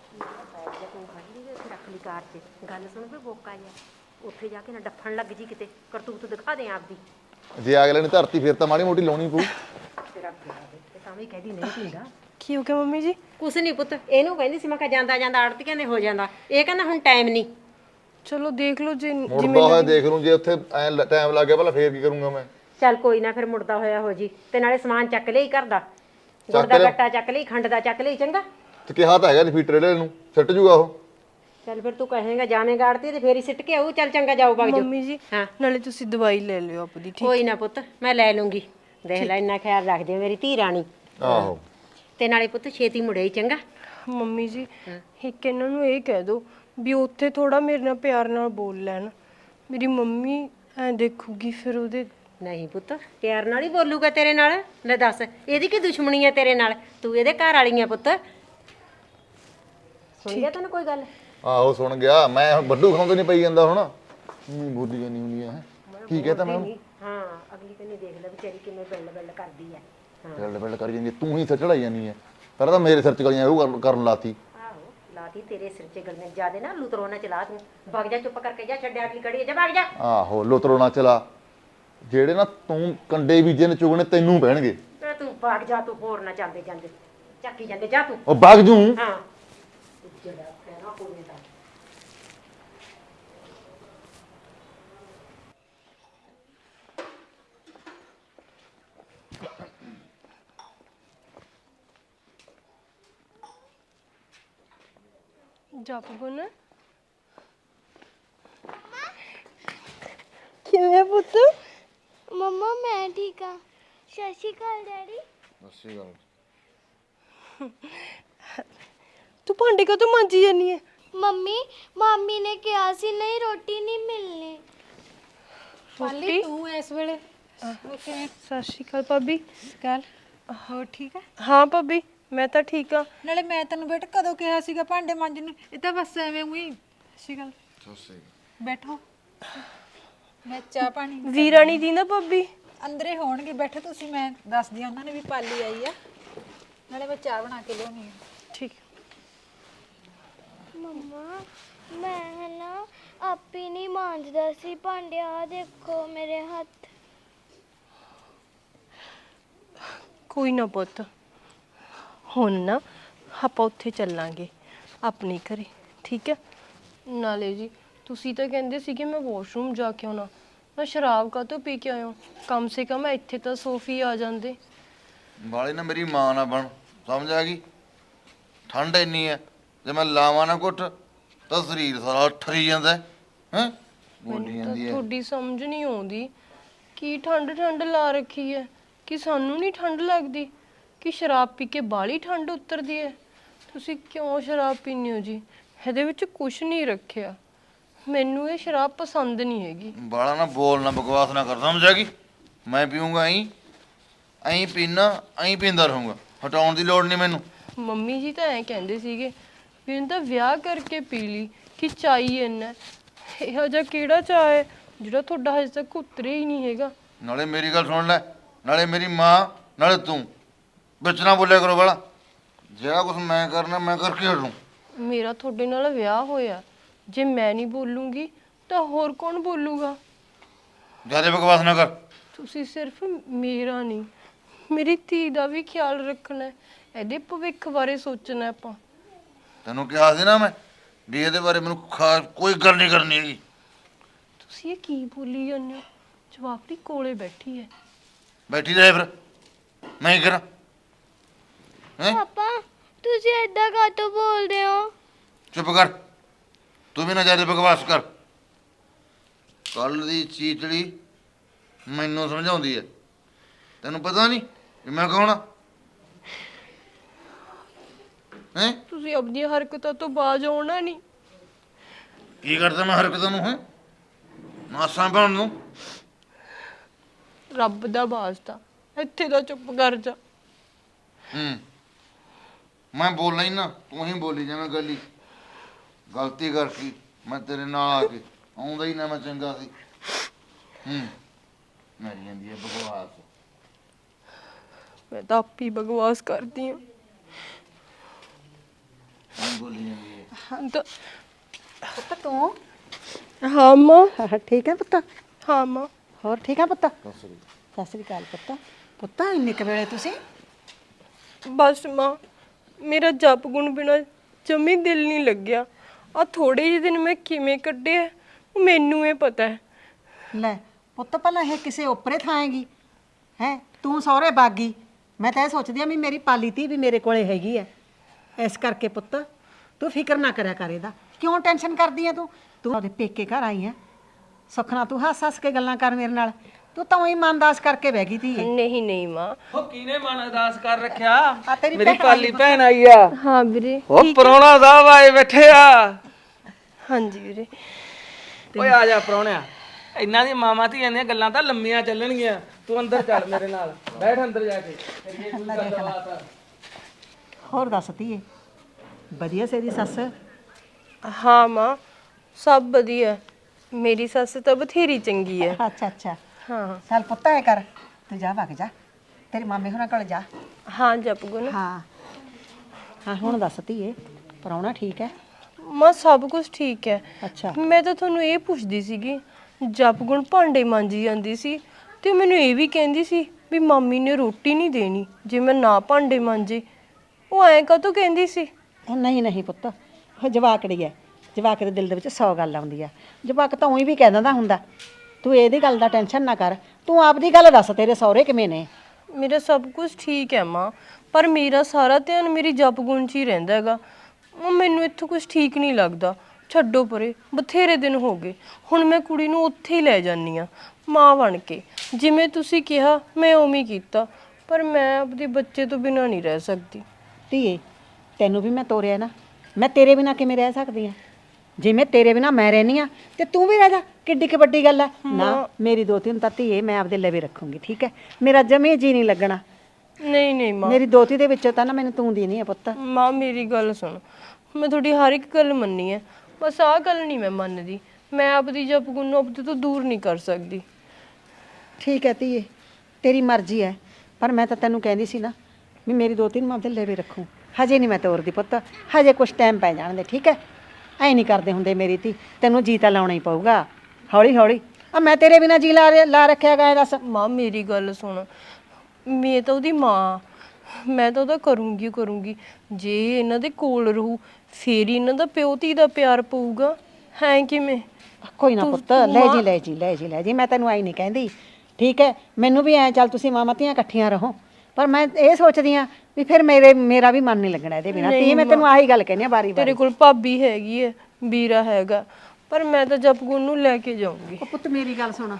Speaker 4: ਰੱਖ ਲਈ ਕਾਰ 'ਚ। ਗੱਲ ਸੁਣ ਵੀ ਬੋਕਾ ਜਿਹਾ, ਉੱਥੇ ਜਾ ਕੇ ਨਾ ਡੱਫਣ ਲੱਗ ਜੀ ਕਿਤੇ, ਕਰਤੂਤ ਦਿਖਾ ਦੇ ਆਪਦੀ।
Speaker 5: ਜੇ ਅਗਲੇ ਨੇ ਧਰਤੀ ਫਿਰ ਤਾਂ ਮਾੜੀ ਮੋਟੀ ਲਾਉਣੀ ਪਊ।
Speaker 4: ਤੇਰਾ ਤੇ ਤਾਂ ਵੀ ਕਹਦੀ ਨਹੀਂ ਪੀਂਦਾ।
Speaker 1: ਕੀ ਹੋ ਗਿਆ ਮੰਮੀ ਜੀ?
Speaker 4: ਕੁਛ ਨਹੀਂ ਪੁੱਤ, ਇਹਨੂੰ ਕਹਿੰਦੀ ਸੀ ਮੈਂ ਕਿਹਾ ਜਾਂਦਾ ਜਾਂਦਾ ਆੜਤੀਆਂ ਦੇ ਹੋ ਜਾਂਦਾ। ਇਹ ਕਹਿੰਦਾ ਹੁਣ ਟਾਈਮ ਨਹੀਂ।
Speaker 1: ਚਲੋ ਦੇਖ ਲਓ ਜੇ
Speaker 5: ਮੁੜਦਾ ਹੋਇਆ ਦੇਖ ਲੂੰ, ਜੇ ਉੱਥੇ ਐ ਟਾਈਮ ਲੱਗ ਗਿਆ ਭਲਾ ਫੇਰ ਕੀ ਕਰੂੰਗਾ ਮੈਂ?
Speaker 4: ਚੱਲ ਕੋਈ ਨਾ, ਫਿਰ ਮੁੜਦਾ ਹੋਇਆ ਹੋ ਜੀ। ਤੇ ਨਾਲੇ ਸਮਾਨ ਚੱਕ ਲਈ ਘਰ ਦਾ, ਗੁੜ ਦਾ ਗੱਟਾ ਚੱਕ ਲਈ, ਖੰਡ ਦਾ ਚੱਕ ਲਈ, ਚੰਗਾ।
Speaker 5: ਤੇ ਕਿਹਾ ਤਾਂ ਹੈਗਾ ਲਿਫੀਟਰ ਇਹਦੇ ਨੂੰ ਸਿੱਟ ਜੂਗਾ ਉਹ।
Speaker 4: ਚੱਲ ਫਿਰ ਤੂੰ ਕਹੇਗਾ ਜਾਵੇਂਗਾ ਆੜਤੀ ਤੇ ਫੇਰ ਹੀ ਸਿੱਟ ਕੇ ਆਊ। ਚੱਲ ਚੰਗਾ ਜਾਓ ਵਗ ਜਾਓ।
Speaker 1: ਮੰਮੀ ਜੀ
Speaker 4: ਹਾਂ।
Speaker 1: ਨਾਲੇ ਤੁਸੀਂ ਦਵਾਈ ਲੈ ਲਿਓ ਆਪਦੀ ਠੀਕ।
Speaker 4: ਕੋਈ ਨਾ ਪੁੱਤ ਮੈਂ ਲੈ ਲੂੰਗੀ। ਦੇਖ ਲੈ ਇੰਨਾ ਖਿਆਲ ਰੱਖਦੀ ਆ ਮੇਰੀ ਧੀ ਰਾਣੀ।
Speaker 5: ਆਹੋ
Speaker 4: ਤੇ ਨਾਲੇ ਪੁੱਤ ਛੇਤੀ ਮੁੜੇ ਹੀ ਚੰਗਾ।
Speaker 1: ਮੰਮੀ ਜੀ ਇੱਕ ਇਹਨਾਂ ਨੂੰ ਇਹ ਕਹਿ ਦਿਓ ਵੀ ਉੱਥੇ ਥੋੜਾ ਮੇਰੇ ਨਾਲ ਪਿਆਰ ਨਾਲ ਬੋਲ ਲੈਣ। ਮੇਰੀ ਮੰਮੀ ਐ ਦੇਖੂਗੀ ਫਿਰ ਉਹਦੇ।
Speaker 4: ਨਹੀਂ ਪੁੱਤ ਪਿਆਰ ਨਾਲ ਹੀ ਬੋਲੂਗਾ ਤੇਰੇ ਨਾਲ। ਲੈ ਦੱਸ ਇਹਦੀ ਕੀ ਦੁਸ਼ਮਣੀ ਹੈ ਤੇਰੇ ਨਾਲ? ਤੂੰ ਇਹਦੇ ਘਰ ਵਾਲੀ ਆ ਪੁੱਤ। ਸੁਣ ਗਿਆ ਤੈਨੂੰ ਕੋਈ ਗੱਲ?
Speaker 5: ਆਹੋ ਸੁਣ ਗਿਆ ਮੈਂ। ਹੁਣ ਵੱਡੂ ਖਾਉਂਦੇ ਨਹੀਂ ਪਈ ਜਾਂਦਾ ਹੁਣ। ਬੋਲੀ ਜਾਨੀ ਹੁੰਦੀ ਹੈ। ਕੀ ਕਹਤਾ ਮੈਂ?
Speaker 4: ਹਾਂ ਅਗਲੀ ਕੰਨੀ ਦੇਖ ਲੈ ਵਿਚਾਰੀ ਕਿਵੇਂ ਬਿੱਲ ਬਿੱਲ ਕਰਦੀ ਹੈ।
Speaker 5: ਬਿਲਡ ਬਿਲਡ ਕਰੀ ਜਾਂਦੀ ਤੂੰ ਹੀ ਸਿਰ ਚੜਾਈ ਜਾਂਦੀ ਹੈ। ਪਹਿਲਾਂ ਤਾਂ ਮੇਰੇ ਸਿਰ ਚ ਗਲੀਆਂ ਉਹ ਕਰਨ ਲਾਤੀ।
Speaker 4: ਆਹੋ ਲਾਤੀ ਤੇਰੇ ਸਿਰ 'ਚ ਗਲੀਆਂ ਜਿਆਦੇ ਨਾ ਲੁਤਰੋ ਨਾ ਚਲਾ ਤੂੰ। ਵਗ ਜਾ ਚੁੱਪ ਕਰਕੇ ਜਾ ਛੱਡਿਆ ਕੀ ਕੜੀ ਜਾ ਵਗ ਜਾ।
Speaker 5: ਆਹੋ ਲੁਤਰੋ ਨਾ ਚਲਾ। ਜਿਹੜੇ ਨਾ ਤੂੰ ਕੰਡੇ ਬੀਜੇ ਨੇ ਚੁਗਣੇ ਤੈਨੂੰ ਪੈਣਗੇ।
Speaker 4: ਤੇ ਤੂੰ ਵਗ ਜਾ ਤੂੰ ਹੋਰ ਨਾ ਚੱਲਦੇ ਜਾਂਦੇ ਚੱਕੀ ਜਾਂਦੇ ਜਾ ਤੂੰ।
Speaker 5: ਉਹ ਵਗ ਜੂ।
Speaker 4: ਹਾਂ ਜਿਹੜਾ ਕਹਿਣਾ ਕੋਨੇ ਦਾ।
Speaker 1: ਜਪ ਗੁਣ ਕਿਵੇਂ ਪੁੱਤ?
Speaker 6: ਮੰਮਾ ਮੈਂ ਠੀਕ ਆ। ਸਤਿ ਸ਼੍ਰੀ ਅਕਾਲ ਡੈਡੀ।
Speaker 5: ਅੱਛੀ ਗੱਲ।
Speaker 1: ਤੂੰ ਭਾਂਡੇ ਕਦੋਂ ਮਾਂਜੀ ਜਾਨੀ ਹੈ?
Speaker 6: ਮਾਮੀ ਨੇ ਕਿਹਾ ਸੀ ਨਹੀਂ ਰੋਟੀ ਨਹੀਂ ਮਿਲਣੀ।
Speaker 1: ਪਾਲੀ
Speaker 7: ਤੂੰ ਇਸ ਵੇਲੇ
Speaker 1: ਸਤਿ ਸ਼੍ਰੀ ਅਕਾਲ ਭਾਬੀ।
Speaker 7: ਕੱਲ ਹੋਰ ਠੀਕ ਆ?
Speaker 1: ਹਾਂ ਭਾਬੀ ਮੈਂ ਤਾਂ ਠੀਕ ਆ।
Speaker 7: ਨਾਲੇ ਮੈਂ ਤੈਨੂੰ ਬੇਟਾ ਕਦੋਂ ਕਿਹਾ ਸੀਗਾ ਭਾਂਡੇ ਮਾਂਜਣ ਨੂੰ? ਇਹ ਤਾਂ ਬਸ ਐਵੇਂ ਉਹੀ ਸੀ ਗੱਲ। ਬੈਠੋ ਮੈਂ ਚਾਹ ਪਾਣੀ
Speaker 1: ਵੀਰਾਣੀ ਦੀ ਨਾ ਭਾਬੀ
Speaker 7: ਅੰਦਰੇ ਹੋਣਗੇ। ਬੈਠੋ ਤੁਸੀਂ ਮੈਂ ਦੱਸਦੀ ਆ ਉਹਨਾਂ ਨੇ ਵੀ ਪਾਲੀ ਆਈ ਆ। ਨਾਲੇ ਮੈਂ ਚਾਹ ਬਣਾ ਕੇ ਲਿਆਉਣੀ ਆ।
Speaker 1: ਠੀਕ।
Speaker 6: ਮੰਮਾ ਮੈਂ ਨਾ ਆਪੇ ਨਹੀਂ ਮਾਂਜਦਾ ਸੀ ਭਾਂਡੇ। ਆ ਦੇਖੋ ਮੇਰੇ ਹੱਥ।
Speaker 1: ਕੋਈ ਨਾ ਪੁੱਤ ਹੁਣ ਨਾ ਆਪਾਂ ਉੱਥੇ ਚੱਲਾਂਗੇ ਆਪਣੇ ਘਰੇ ਠੀਕ ਹੈ। ਨਾਲੇ ਜੀ ਤੁਸੀਂ ਤਾਂ ਕਹਿੰਦੇ ਸੀ ਕਿ ਮੈਂ ਵਾਸ਼ਰੂਮ ਜਾ ਕੇ ਆਉਣਾ। ਮੈਂ ਸ਼ਰਾਬ ਕਾਹਤੋਂ ਪੀ ਕੇ ਆਇਆ? ਕਮ ਸੇ ਕਮ ਇੱਥੇ ਤਾਂ ਸੋਫੀ ਆ ਜਾਂਦੇ।
Speaker 2: ਵਾਲੇ ਨਾ ਮੇਰੀ ਮਾਂ ਨਾ ਬਣ, ਸਮਝ ਆ ਗਈ? ਠੰਡ ਇੰਨੀ ਹੈ ਜੇ ਮੈਂ ਲਾਵਾਂ ਨਾ ਕੁੱਟ ਤਾਂ ਸਰੀਰ ਸਾਰਾ ਠਰੀ ਜਾਂਦਾ ਹੈ। ਹੈਂ ਬੋਲੀ
Speaker 1: ਮੈਨੂੰ ਤਾਂ
Speaker 2: ਜਾਂਦੀ ਹੈ।
Speaker 1: ਤੁਹਾਡੀ ਸਮਝ ਨਹੀਂ ਆਉਂਦੀ ਕੀ ਠੰਡ ਠੰਡ ਲਾ ਰੱਖੀ ਹੈ। ਕਿ ਸਾਨੂੰ ਨਹੀਂ ਠੰਡ ਲੱਗਦੀ? ਕਿ ਸ਼ਰਾਬ ਪੀ ਕੇ ਬਾਹਲੀ ਠੰਡ ਉਤਰਦੀ ਹੈ? ਤੁਸੀਂ ਕਿਉਂ ਸ਼ਰਾਬ ਪੀਂਦੇ ਹੋ ਜੀ? ਇਹਦੇ ਵਿੱਚ ਕੁਝ ਨਹੀਂ ਰੱਖਿਆ। ਮੈਨੂੰ ਇਹ ਸ਼ਰਾਬ ਪਸੰਦ ਨਹੀਂ ਹੈਗੀ।
Speaker 2: ਬਾਲਾ ਨਾ ਬੋਲ ਨਾ ਬਕਵਾਸ ਨਾ ਕਰ, ਸਮਝ ਆ ਗਈ? ਮੈਂ ਪੀਊਂਗਾ ਐਂ ਪੀਣਾ ਐਂ ਪੀਂਦਾ ਰਹੂੰਗਾ। ਹਟਾਉਣ ਦੀ ਲੋੜ ਨਹੀਂ ਮੈਨੂੰ।
Speaker 1: ਮੰਮੀ ਜੀ ਤਾਂ ਐਂ ਕਹਿੰਦੇ ਸੀਗੇ ਵੀ ਇਹਨੂੰ ਤਾਂ ਵਿਆਹ ਕਰਕੇ ਪੀ ਲਈ ਕਿ ਚਾਈ ਇੰਨਾ। ਇਹੋ ਜਿਹਾ ਕਿਹੜਾ ਚਾਹ ਹੈ ਜਿਹੜਾ ਤੁਹਾਡਾ ਹਜੇ ਤੱਕ ਉਤਰਿਆ ਹੀ ਨਹੀਂ ਹੈਗਾ?
Speaker 2: ਨਾਲੇ ਮੇਰੀ ਗੱਲ ਸੁਣ ਲੈ, ਨਾਲੇ ਮੇਰੀ ਮਾਂ, ਨਾਲੇ ਤੂੰ ਵਿੱਚ ਨਾ ਬੋਲਿਆ ਕਰੋ ਵਾਲਾ। ਜਿਹੜਾ ਕੁਝ ਮੈਂ ਕਰਨਾ ਮੈਂ ਕਰਕੇ ਹਟੂ।
Speaker 1: ਮੇਰਾ ਤੁਹਾਡੇ ਨਾਲ ਵਿਆਹ ਹੋਇਆ, ਜੇ ਮੈਂ ਨਹੀਂ ਬੋਲੂੰਗੀ ਤਾਂ ਹੋਰ ਕੌਣ ਬੋਲੂਗਾ?
Speaker 2: ਜ਼ਿਆਦਾ ਬਕਵਾਸ ਨਾ ਕਰ।
Speaker 1: ਤੁਸੀਂ ਸਿਰਫ ਮੇਰਾ ਨਹੀਂ ਮੇਰੀ ਧੀ ਦਾ ਵੀ ਖਿਆਲ ਰੱਖਣਾ ਹੈ। ਇਹਦੇ ਭਵਿੱਖ ਬਾਰੇ ਸੋਚਣਾ ਹੈ ਆਪਾਂ।
Speaker 2: ਤੈਨੂੰ ਕਿਹਾ ਸੀ ਨਾ ਮੈਂ ਵੀ ਇਹਦੇ ਬਾਰੇ ਮੈਨੂੰ ਖਾਸ ਕੋਈ ਗੱਲ ਨਹੀਂ ਕਰਨੀ ਹੈਗੀ।
Speaker 1: ਤੁਸੀਂ ਇਹ ਕੀ ਬੋਲੀ ਜਾਂਦੇ ਹੋ? ਜਵਾਕੜੀ ਕੋਲੇ ਬੈਠੀ ਹੈ।
Speaker 2: ਬੈਠੀ ਰਹੇ ਫਿਰ ਮੈਂ ਹੀ ਕਰਾਂ। ਹੈਂ
Speaker 6: ਪਾਪਾ ਤੁਸੀਂ ਏਦਾਂ ਕਾਹਤੋਂ ਬੋਲਦੇ ਹੋ?
Speaker 2: ਚੁੱਪ ਕਰ, ਤੂੰ ਵੀ ਨਾ ਜ਼ਿਆਦਾ ਬਕਵਾਸ ਕਰ। ਕੱਲ ਦੀ ਚੀਚੜੀ ਮੈਨੂੰ ਸਮਝਾਉਂਦੀ ਹੈ। ਤੈਨੂੰ ਪਤਾ ਨਹੀਂ ਵੀ ਮੈਂ ਕੌਣ ਆ? ਹੈਂ
Speaker 1: ਤੁਸੀਂ ਆਪਣੀਆਂ ਹਰਕਤਾਂ ਤੋਂ ਬਾਜ ਆਉਣਾ ਨਹੀਂ।
Speaker 2: ਕੀ ਕਰਦਾ ਮੈਂ ਹਰਕਤਾਂ ਨੂੰ? ਹੈ ਮਾਸਾਂ ਪਾਉਣ ਨੂੰ?
Speaker 1: ਰੱਬ ਦਾ ਵਾਸਤਾ ਇੱਥੇ ਦਾ ਚੁੱਪ ਕਰ ਜਾ।
Speaker 2: ਮੈਂ ਬੋਲਣਾ ਹੀ ਨਾ, ਤੂੰ ਹੀ ਬੋਲੀ ਜਾਵੇਂ ਗੱਲੀ। ਗਲਤੀ ਕਰਤੀ ਮੈਂ ਤੇਰੇ ਨਾਲ ਆ ਕੇ। ਆਉਂਦਾ ਹੀ ਨਾ ਮੈਂ ਚੰਗਾ ਸੀ। ਮਰੀ ਜਾਂਦੀ ਹੈ ਬਕਵਾਸ।
Speaker 1: ਮੈਂ ਤਾਂ ਆਪੀ ਬਕਵਾਸ ਕਰਦੀ ਹਾਂ।
Speaker 2: ਬੋਲੀ ਜਾਂਦੀ ਹੈ।
Speaker 1: ਤਾਂ
Speaker 7: ਪੁੱਤ ਤੂੰ
Speaker 1: ਹਾਂ ਮਾਂ।
Speaker 4: ਠੀਕ ਹੈ ਪੁੱਤ?
Speaker 1: ਹਾਂ ਮਾਂ।
Speaker 4: ਹੋਰ ਠੀਕ ਹੈ ਪੁੱਤ? ਸਤਿ ਸ੍ਰੀ ਅਕਾਲ ਪੁੱਤ। ਪੁੱਤ ਇੰਨੇ ਕੁ ਵੇਲੇ ਤੁਸੀਂ?
Speaker 1: ਬਸ ਮਾਂ ਮੇਰਾ ਜਪ ਗੁਣ ਬਿਨਾ ਜਮੀ ਦਿਲ ਨਹੀਂ ਲੱਗਿਆ। ਆ ਥੋੜੇ ਜਿਹੇ ਦਿਨ ਮੈਂ ਕਿਵੇਂ ਕੱਢੇ ਆ ਉਹ ਮੈਨੂੰ ਇਹ ਪਤਾ ਹੈ।
Speaker 4: ਲੈ ਪੁੱਤ ਪਹਿਲਾਂ ਇਹ ਕਿਸੇ ਓਪਰੇ ਥਾਏਗੀ ਹੈ? ਤੂੰ ਸਹੁਰੇ ਬਾਗੀ। ਮੈਂ ਤਾਂ ਇਹ ਸੋਚਦੀ ਆ ਵੀ ਮੇਰੀ ਪਾਲੀ ਧੀ ਵੀ ਮੇਰੇ ਕੋਲੇ ਹੈਗੀ ਐ। ਇਸ ਕਰਕੇ ਪੁੱਤ ਤੂੰ ਫਿਕਰ ਨਾ ਕਰਿਆ ਕਰ ਇਹਦਾ। ਕਿਉਂ ਟੈਨਸ਼ਨ ਕਰਦੀ ਐ ਤੂੰ ਉਹਦੇ ਪੇਕੇ ਘਰ ਆਈ ਐ ਸੁਖਣਾ ਤੂੰ ਹੱਸ ਕੇ ਗੱਲਾਂ ਕਰ ਮੇਰੇ ਨਾਲ ਤੂੰ ਤਾਂ ਉਹੀ ਮਨਦਾਸ ਕਰਕੇ ਬਹਿ ਗਈ ਧੀਏ
Speaker 1: ਨਹੀਂ ਨਹੀਂ ਮਾਂ।
Speaker 8: ਉਹ ਕਿਹਨੇ ਮਨ ਅਰਦਾਸ ਕਰ ਰੱਖਿਆ
Speaker 4: ਆ ਤੇਰੀ
Speaker 8: ਮੇਰੀ
Speaker 4: ਭੈਣ
Speaker 8: ਪਾਲੀ ਭੈਣ ਆਈ ਆ
Speaker 1: ਹਾਂ ਵੀਰੇ।
Speaker 8: ਉਹ ਪ੍ਰਾਹੁਣਾ ਸਾਹਿਬ ਆਏ ਬੈਠੇ ਆ
Speaker 1: ਹਾਂਜੀ ਵੀਰੇ।
Speaker 8: ਓਏ ਆ ਜਾ ਪ੍ਰਾਹੁਣਿਆ ਇਹਨਾਂ ਦੀ ਮਾਮਾ ਧੀਆਂ ਦੀਆਂ ਗੱਲਾਂ ਤਾਂ ਲੰਮੀਆਂ ਚੱਲਣਗੀਆਂ ਤੂੰ ਅੰਦਰ ਚੱਲ ਮੇਰੇ ਨਾਲ ਬੈਠ ਅੰਦਰ ਜਾ ਕੇ ਕਰੀਏ ਕੋਈ ਗੱਲਬਾਤ
Speaker 4: ਹੋਰ ਦੱਸ ਧੀਏ ਵਧੀਆ ਸੇਰੀ ਸੱਸ
Speaker 1: ਹਾਂ ਮਾਂ ਸਭ ਵਧੀਆ। ਮੇਰੀ ਸੱਸ ਤਾਂ ਬਥੇਰੀ ਚੰਗੀ ਹੈ।
Speaker 4: ਅੱਛਾ
Speaker 1: ਹਾਂ
Speaker 4: ਚੱਲ ਪੁੱਤ ਐ ਕਰ ਤੂੰ ਜਾ ਵਗ ਜਾ ਤੇਰੇ ਮਾਮੇ ਹੋਰਾਂ ਕੋਲ ਜਾ
Speaker 1: ਹਾਂ ਜਪਗੁਣ।
Speaker 4: ਹਾਂ ਹੁਣ ਦੱਸ ਧੀਏ ਪ੍ਰਾਹੁਣਾ ਠੀਕ ਹੈ
Speaker 1: ਮਾਂ ਸਭ ਕੁਝ ਠੀਕ ਹੈ।
Speaker 4: ਅੱਛਾ
Speaker 1: ਮੈਂ ਤਾਂ ਤੁਹਾਨੂੰ ਇਹ ਪੁੱਛਦੀ ਸੀਗੀ ਜਪਗੁਣ ਭਾਂਡੇ ਮਾਂਜੀ ਜਾਂਦੀ ਸੀ ਤੇ ਮੈਨੂੰ ਇਹ ਵੀ ਕਹਿੰਦੀ ਸੀ ਵੀ ਮਾਮੀ ਨੇ ਰੋਟੀ ਨਹੀਂ ਦੇਣੀ ਜੇ ਮੈਂ ਨਾ ਭਾਂਡੇ ਮਾਂਜੇ। ਉਹ ਐਂ ਕਾਹਤੋਂ ਕਹਿੰਦੀ ਸੀ?
Speaker 4: ਉਹ ਨਹੀਂ ਪੁੱਤ ਉਹ ਜਵਾਕੜੀ ਹੈ ਜਵਾਕ ਦੇ ਦਿਲ ਦੇ ਵਿੱਚ 100 ਗੱਲ ਆਉਂਦੀ ਆ ਜਵਾਕ ਤਾਂ ਉਹੀ ਵੀ ਕਹਿ ਦਿੰਦਾ ਹੁੰਦਾ ਤੂੰ ਇਹਦੀ ਗੱਲ ਦਾ ਟੈਨਸ਼ਨ ਨਾ ਕਰ ਤੂੰ ਆਪਦੀ ਗੱਲ ਦੱਸ ਤੇਰੇ ਸਹੁਰੇ ਕਿਵੇਂ ਨੇ
Speaker 1: ਮੇਰਾ ਸਭ ਕੁਝ ਠੀਕ ਹੈ ਮਾਂ ਪਰ ਮੇਰਾ ਸਾਰਾ ਧਿਆਨ ਮੇਰੀ ਜਪਗੁਣ 'ਚ ਹੀ ਰਹਿੰਦਾ ਹੈਗਾ। ਉਹ ਮੈਨੂੰ ਇੱਥੋਂ ਕੁਝ ਠੀਕ ਨਹੀਂ ਲੱਗਦਾ। ਛੱਡੋ ਪਰੇ ਬਥੇਰੇ ਦਿਨ ਹੋ ਗਏ ਹੁਣ ਮੈਂ ਕੁੜੀ ਨੂੰ ਉੱਥੇ ਹੀ ਲੈ ਜਾਨੀ ਆ ਮਾਂ ਬਣ ਕੇ ਜਿਵੇਂ ਤੁਸੀਂ ਕਿਹਾ ਮੈਂ ਉਵੇਂ ਹੀ ਕੀਤਾ ਪਰ ਮੈਂ ਆਪਦੇ ਬੱਚੇ ਤੋਂ ਬਿਨਾਂ ਨਹੀਂ ਰਹਿ ਸਕਦੀ।
Speaker 4: ਧੀਏ ਤੈਨੂੰ ਵੀ ਮੈਂ ਤੋਰਿਆ ਨਾ ਮੈਂ ਤੇਰੇ ਬਿਨਾਂ ਕਿਵੇਂ ਰਹਿ ਸਕਦੀ ਆ ਜਿਵੇਂ ਤੇਰੇ ਬਿਨਾਂ ਮੈਂ ਰਹਿਨੀ ਆ ਤੇ ਤੂੰ ਵੀ ਰਹਿ ਜਾ ਕਿੱਡੀ ਕੁ ਵੱਡੀ ਗੱਲ ਆ ਨਾ ਮੇਰੀ ਦੋਤੀ ਨੂੰ ਤਾਂ ਧੀਏ ਮੈਂ ਆਪਦੇ ਲਵੇ ਰੱਖੂੰਗੀ ਠੀਕ ਹੈ ਮੇਰਾ ਜਮੇ ਜੀ ਨਹੀਂ ਲੱਗਣਾ
Speaker 1: ਨਹੀਂ ਮਾਂ
Speaker 4: ਮੇਰੀ ਦੋਤੀ ਦੇ ਵਿੱਚੋਂ ਤਾਂ ਨਾ ਮੈਨੂੰ ਤੂੰ ਦੀ ਨਹੀਂ ਆ ਪੁੱਤ
Speaker 1: ਮਾਂ ਮੇਰੀ ਗੱਲ ਸੁਣ ਮੈਂ ਤੁਹਾਡੀ ਹਰ ਇੱਕ ਗੱਲ ਮੰਨੀ ਹੈ ਬਸ ਆਹ ਗੱਲ ਨਹੀਂ ਮੈਂ ਮੰਨਦੀ ਮੈਂ ਆਪਦੀ ਜਪਗੁਣ ਨੂੰ ਆਪਦੇ ਤੋਂ ਦੂਰ ਨਹੀਂ ਕਰ ਸਕਦੀ।
Speaker 4: ਠੀਕ ਹੈ ਧੀਏ ਤੇਰੀ ਮਰਜ਼ੀ ਹੈ ਪਰ ਮੈਂ ਤਾਂ ਤੈਨੂੰ ਕਹਿੰਦੀ ਸੀ ਨਾ ਵੀ ਮੇਰੀ ਦੋਤੀ ਨੂੰ ਮੈਂ ਆਪਦੇ ਲਵੇ ਰੱਖੂੰ ਹਜੇ ਨਹੀਂ ਮੈਂ ਤੋਰਦੀ ਪੁੱਤ ਹਜੇ ਕੁਝ ਟਾਈਮ ਪੈ ਜਾਣ ਦੇ ਠੀਕ ਹੈ ਐ ਨਹੀਂ ਕਰਦੇ ਹੁੰਦੇ ਮੇਰੀ ਧੀ ਤੈਨੂੰ ਜੀ ਤਾਂ ਲਾਉਣਾ ਹੀ ਪਊਗਾ ਹੌਲੀ ਹੌਲੀ ਆ ਮੈਂ ਤੇਰੇ ਬਿਨਾਂ ਜੀ ਲਾ ਰੱਖਿਆ ਗਾ ਦੱਸ
Speaker 1: ਮਾਂ ਮੇਰੀ ਗੱਲ ਸੁਣ ਮੈਂ ਤਾਂ ਉਹਦੀ ਮਾਂ ਮੈਂ ਤਾਂ ਉਹਦਾ ਕਰੂੰਗੀ ਜੇ ਇਹਨਾਂ ਦੇ ਕੋਲ ਰਹੂ ਫੇਰ ਹੀ ਇਹਨਾਂ ਦਾ ਪਿਓ ਧੀ ਦਾ ਪਿਆਰ ਪਊਗਾ ਹੈ ਕਿਵੇਂ?
Speaker 4: ਕੋਈ ਨਾ ਪੁੱਤ ਲੈ ਜੀ ਮੈਂ ਤੈਨੂੰ ਆਈ ਨਹੀਂ ਕਹਿੰਦੀ ਠੀਕ ਹੈ ਮੈਨੂੰ ਵੀ ਐ ਚੱਲ ਤੁਸੀਂ ਮਾਮਾ ਧੀਆਂ ਇਕੱਠੀਆਂ ਰਹੋ ਪਰ ਮੈਂ ਇਹ ਸੋਚਦੀ ਆ ਵੀ ਫਿਰ ਮੇਰਾ ਵੀ ਮਨ ਨਹੀਂ ਲੱਗਣਾ ਇਹਦੇ ਬਿਨਾਂ ਤੇ ਮੈਂ ਤੈਨੂੰ ਆਹੀ ਗੱਲ ਕਹਿੰਦੀ ਆ ਵਾਰੀ
Speaker 1: ਤੇਰੇ ਕੋਲ ਭਾਬੀ ਹੈਗੀ ਹੈ ਵੀਰਾ ਹੈਗਾ ਪਰ ਮੈਂ ਤਾਂ ਜਪਗੁਣ ਨੂੰ ਲੈ ਕੇ ਜਾਊਂਗੀ।
Speaker 4: ਉਹ ਪੁੱਤ ਮੇਰੀ ਗੱਲ ਸੁਣ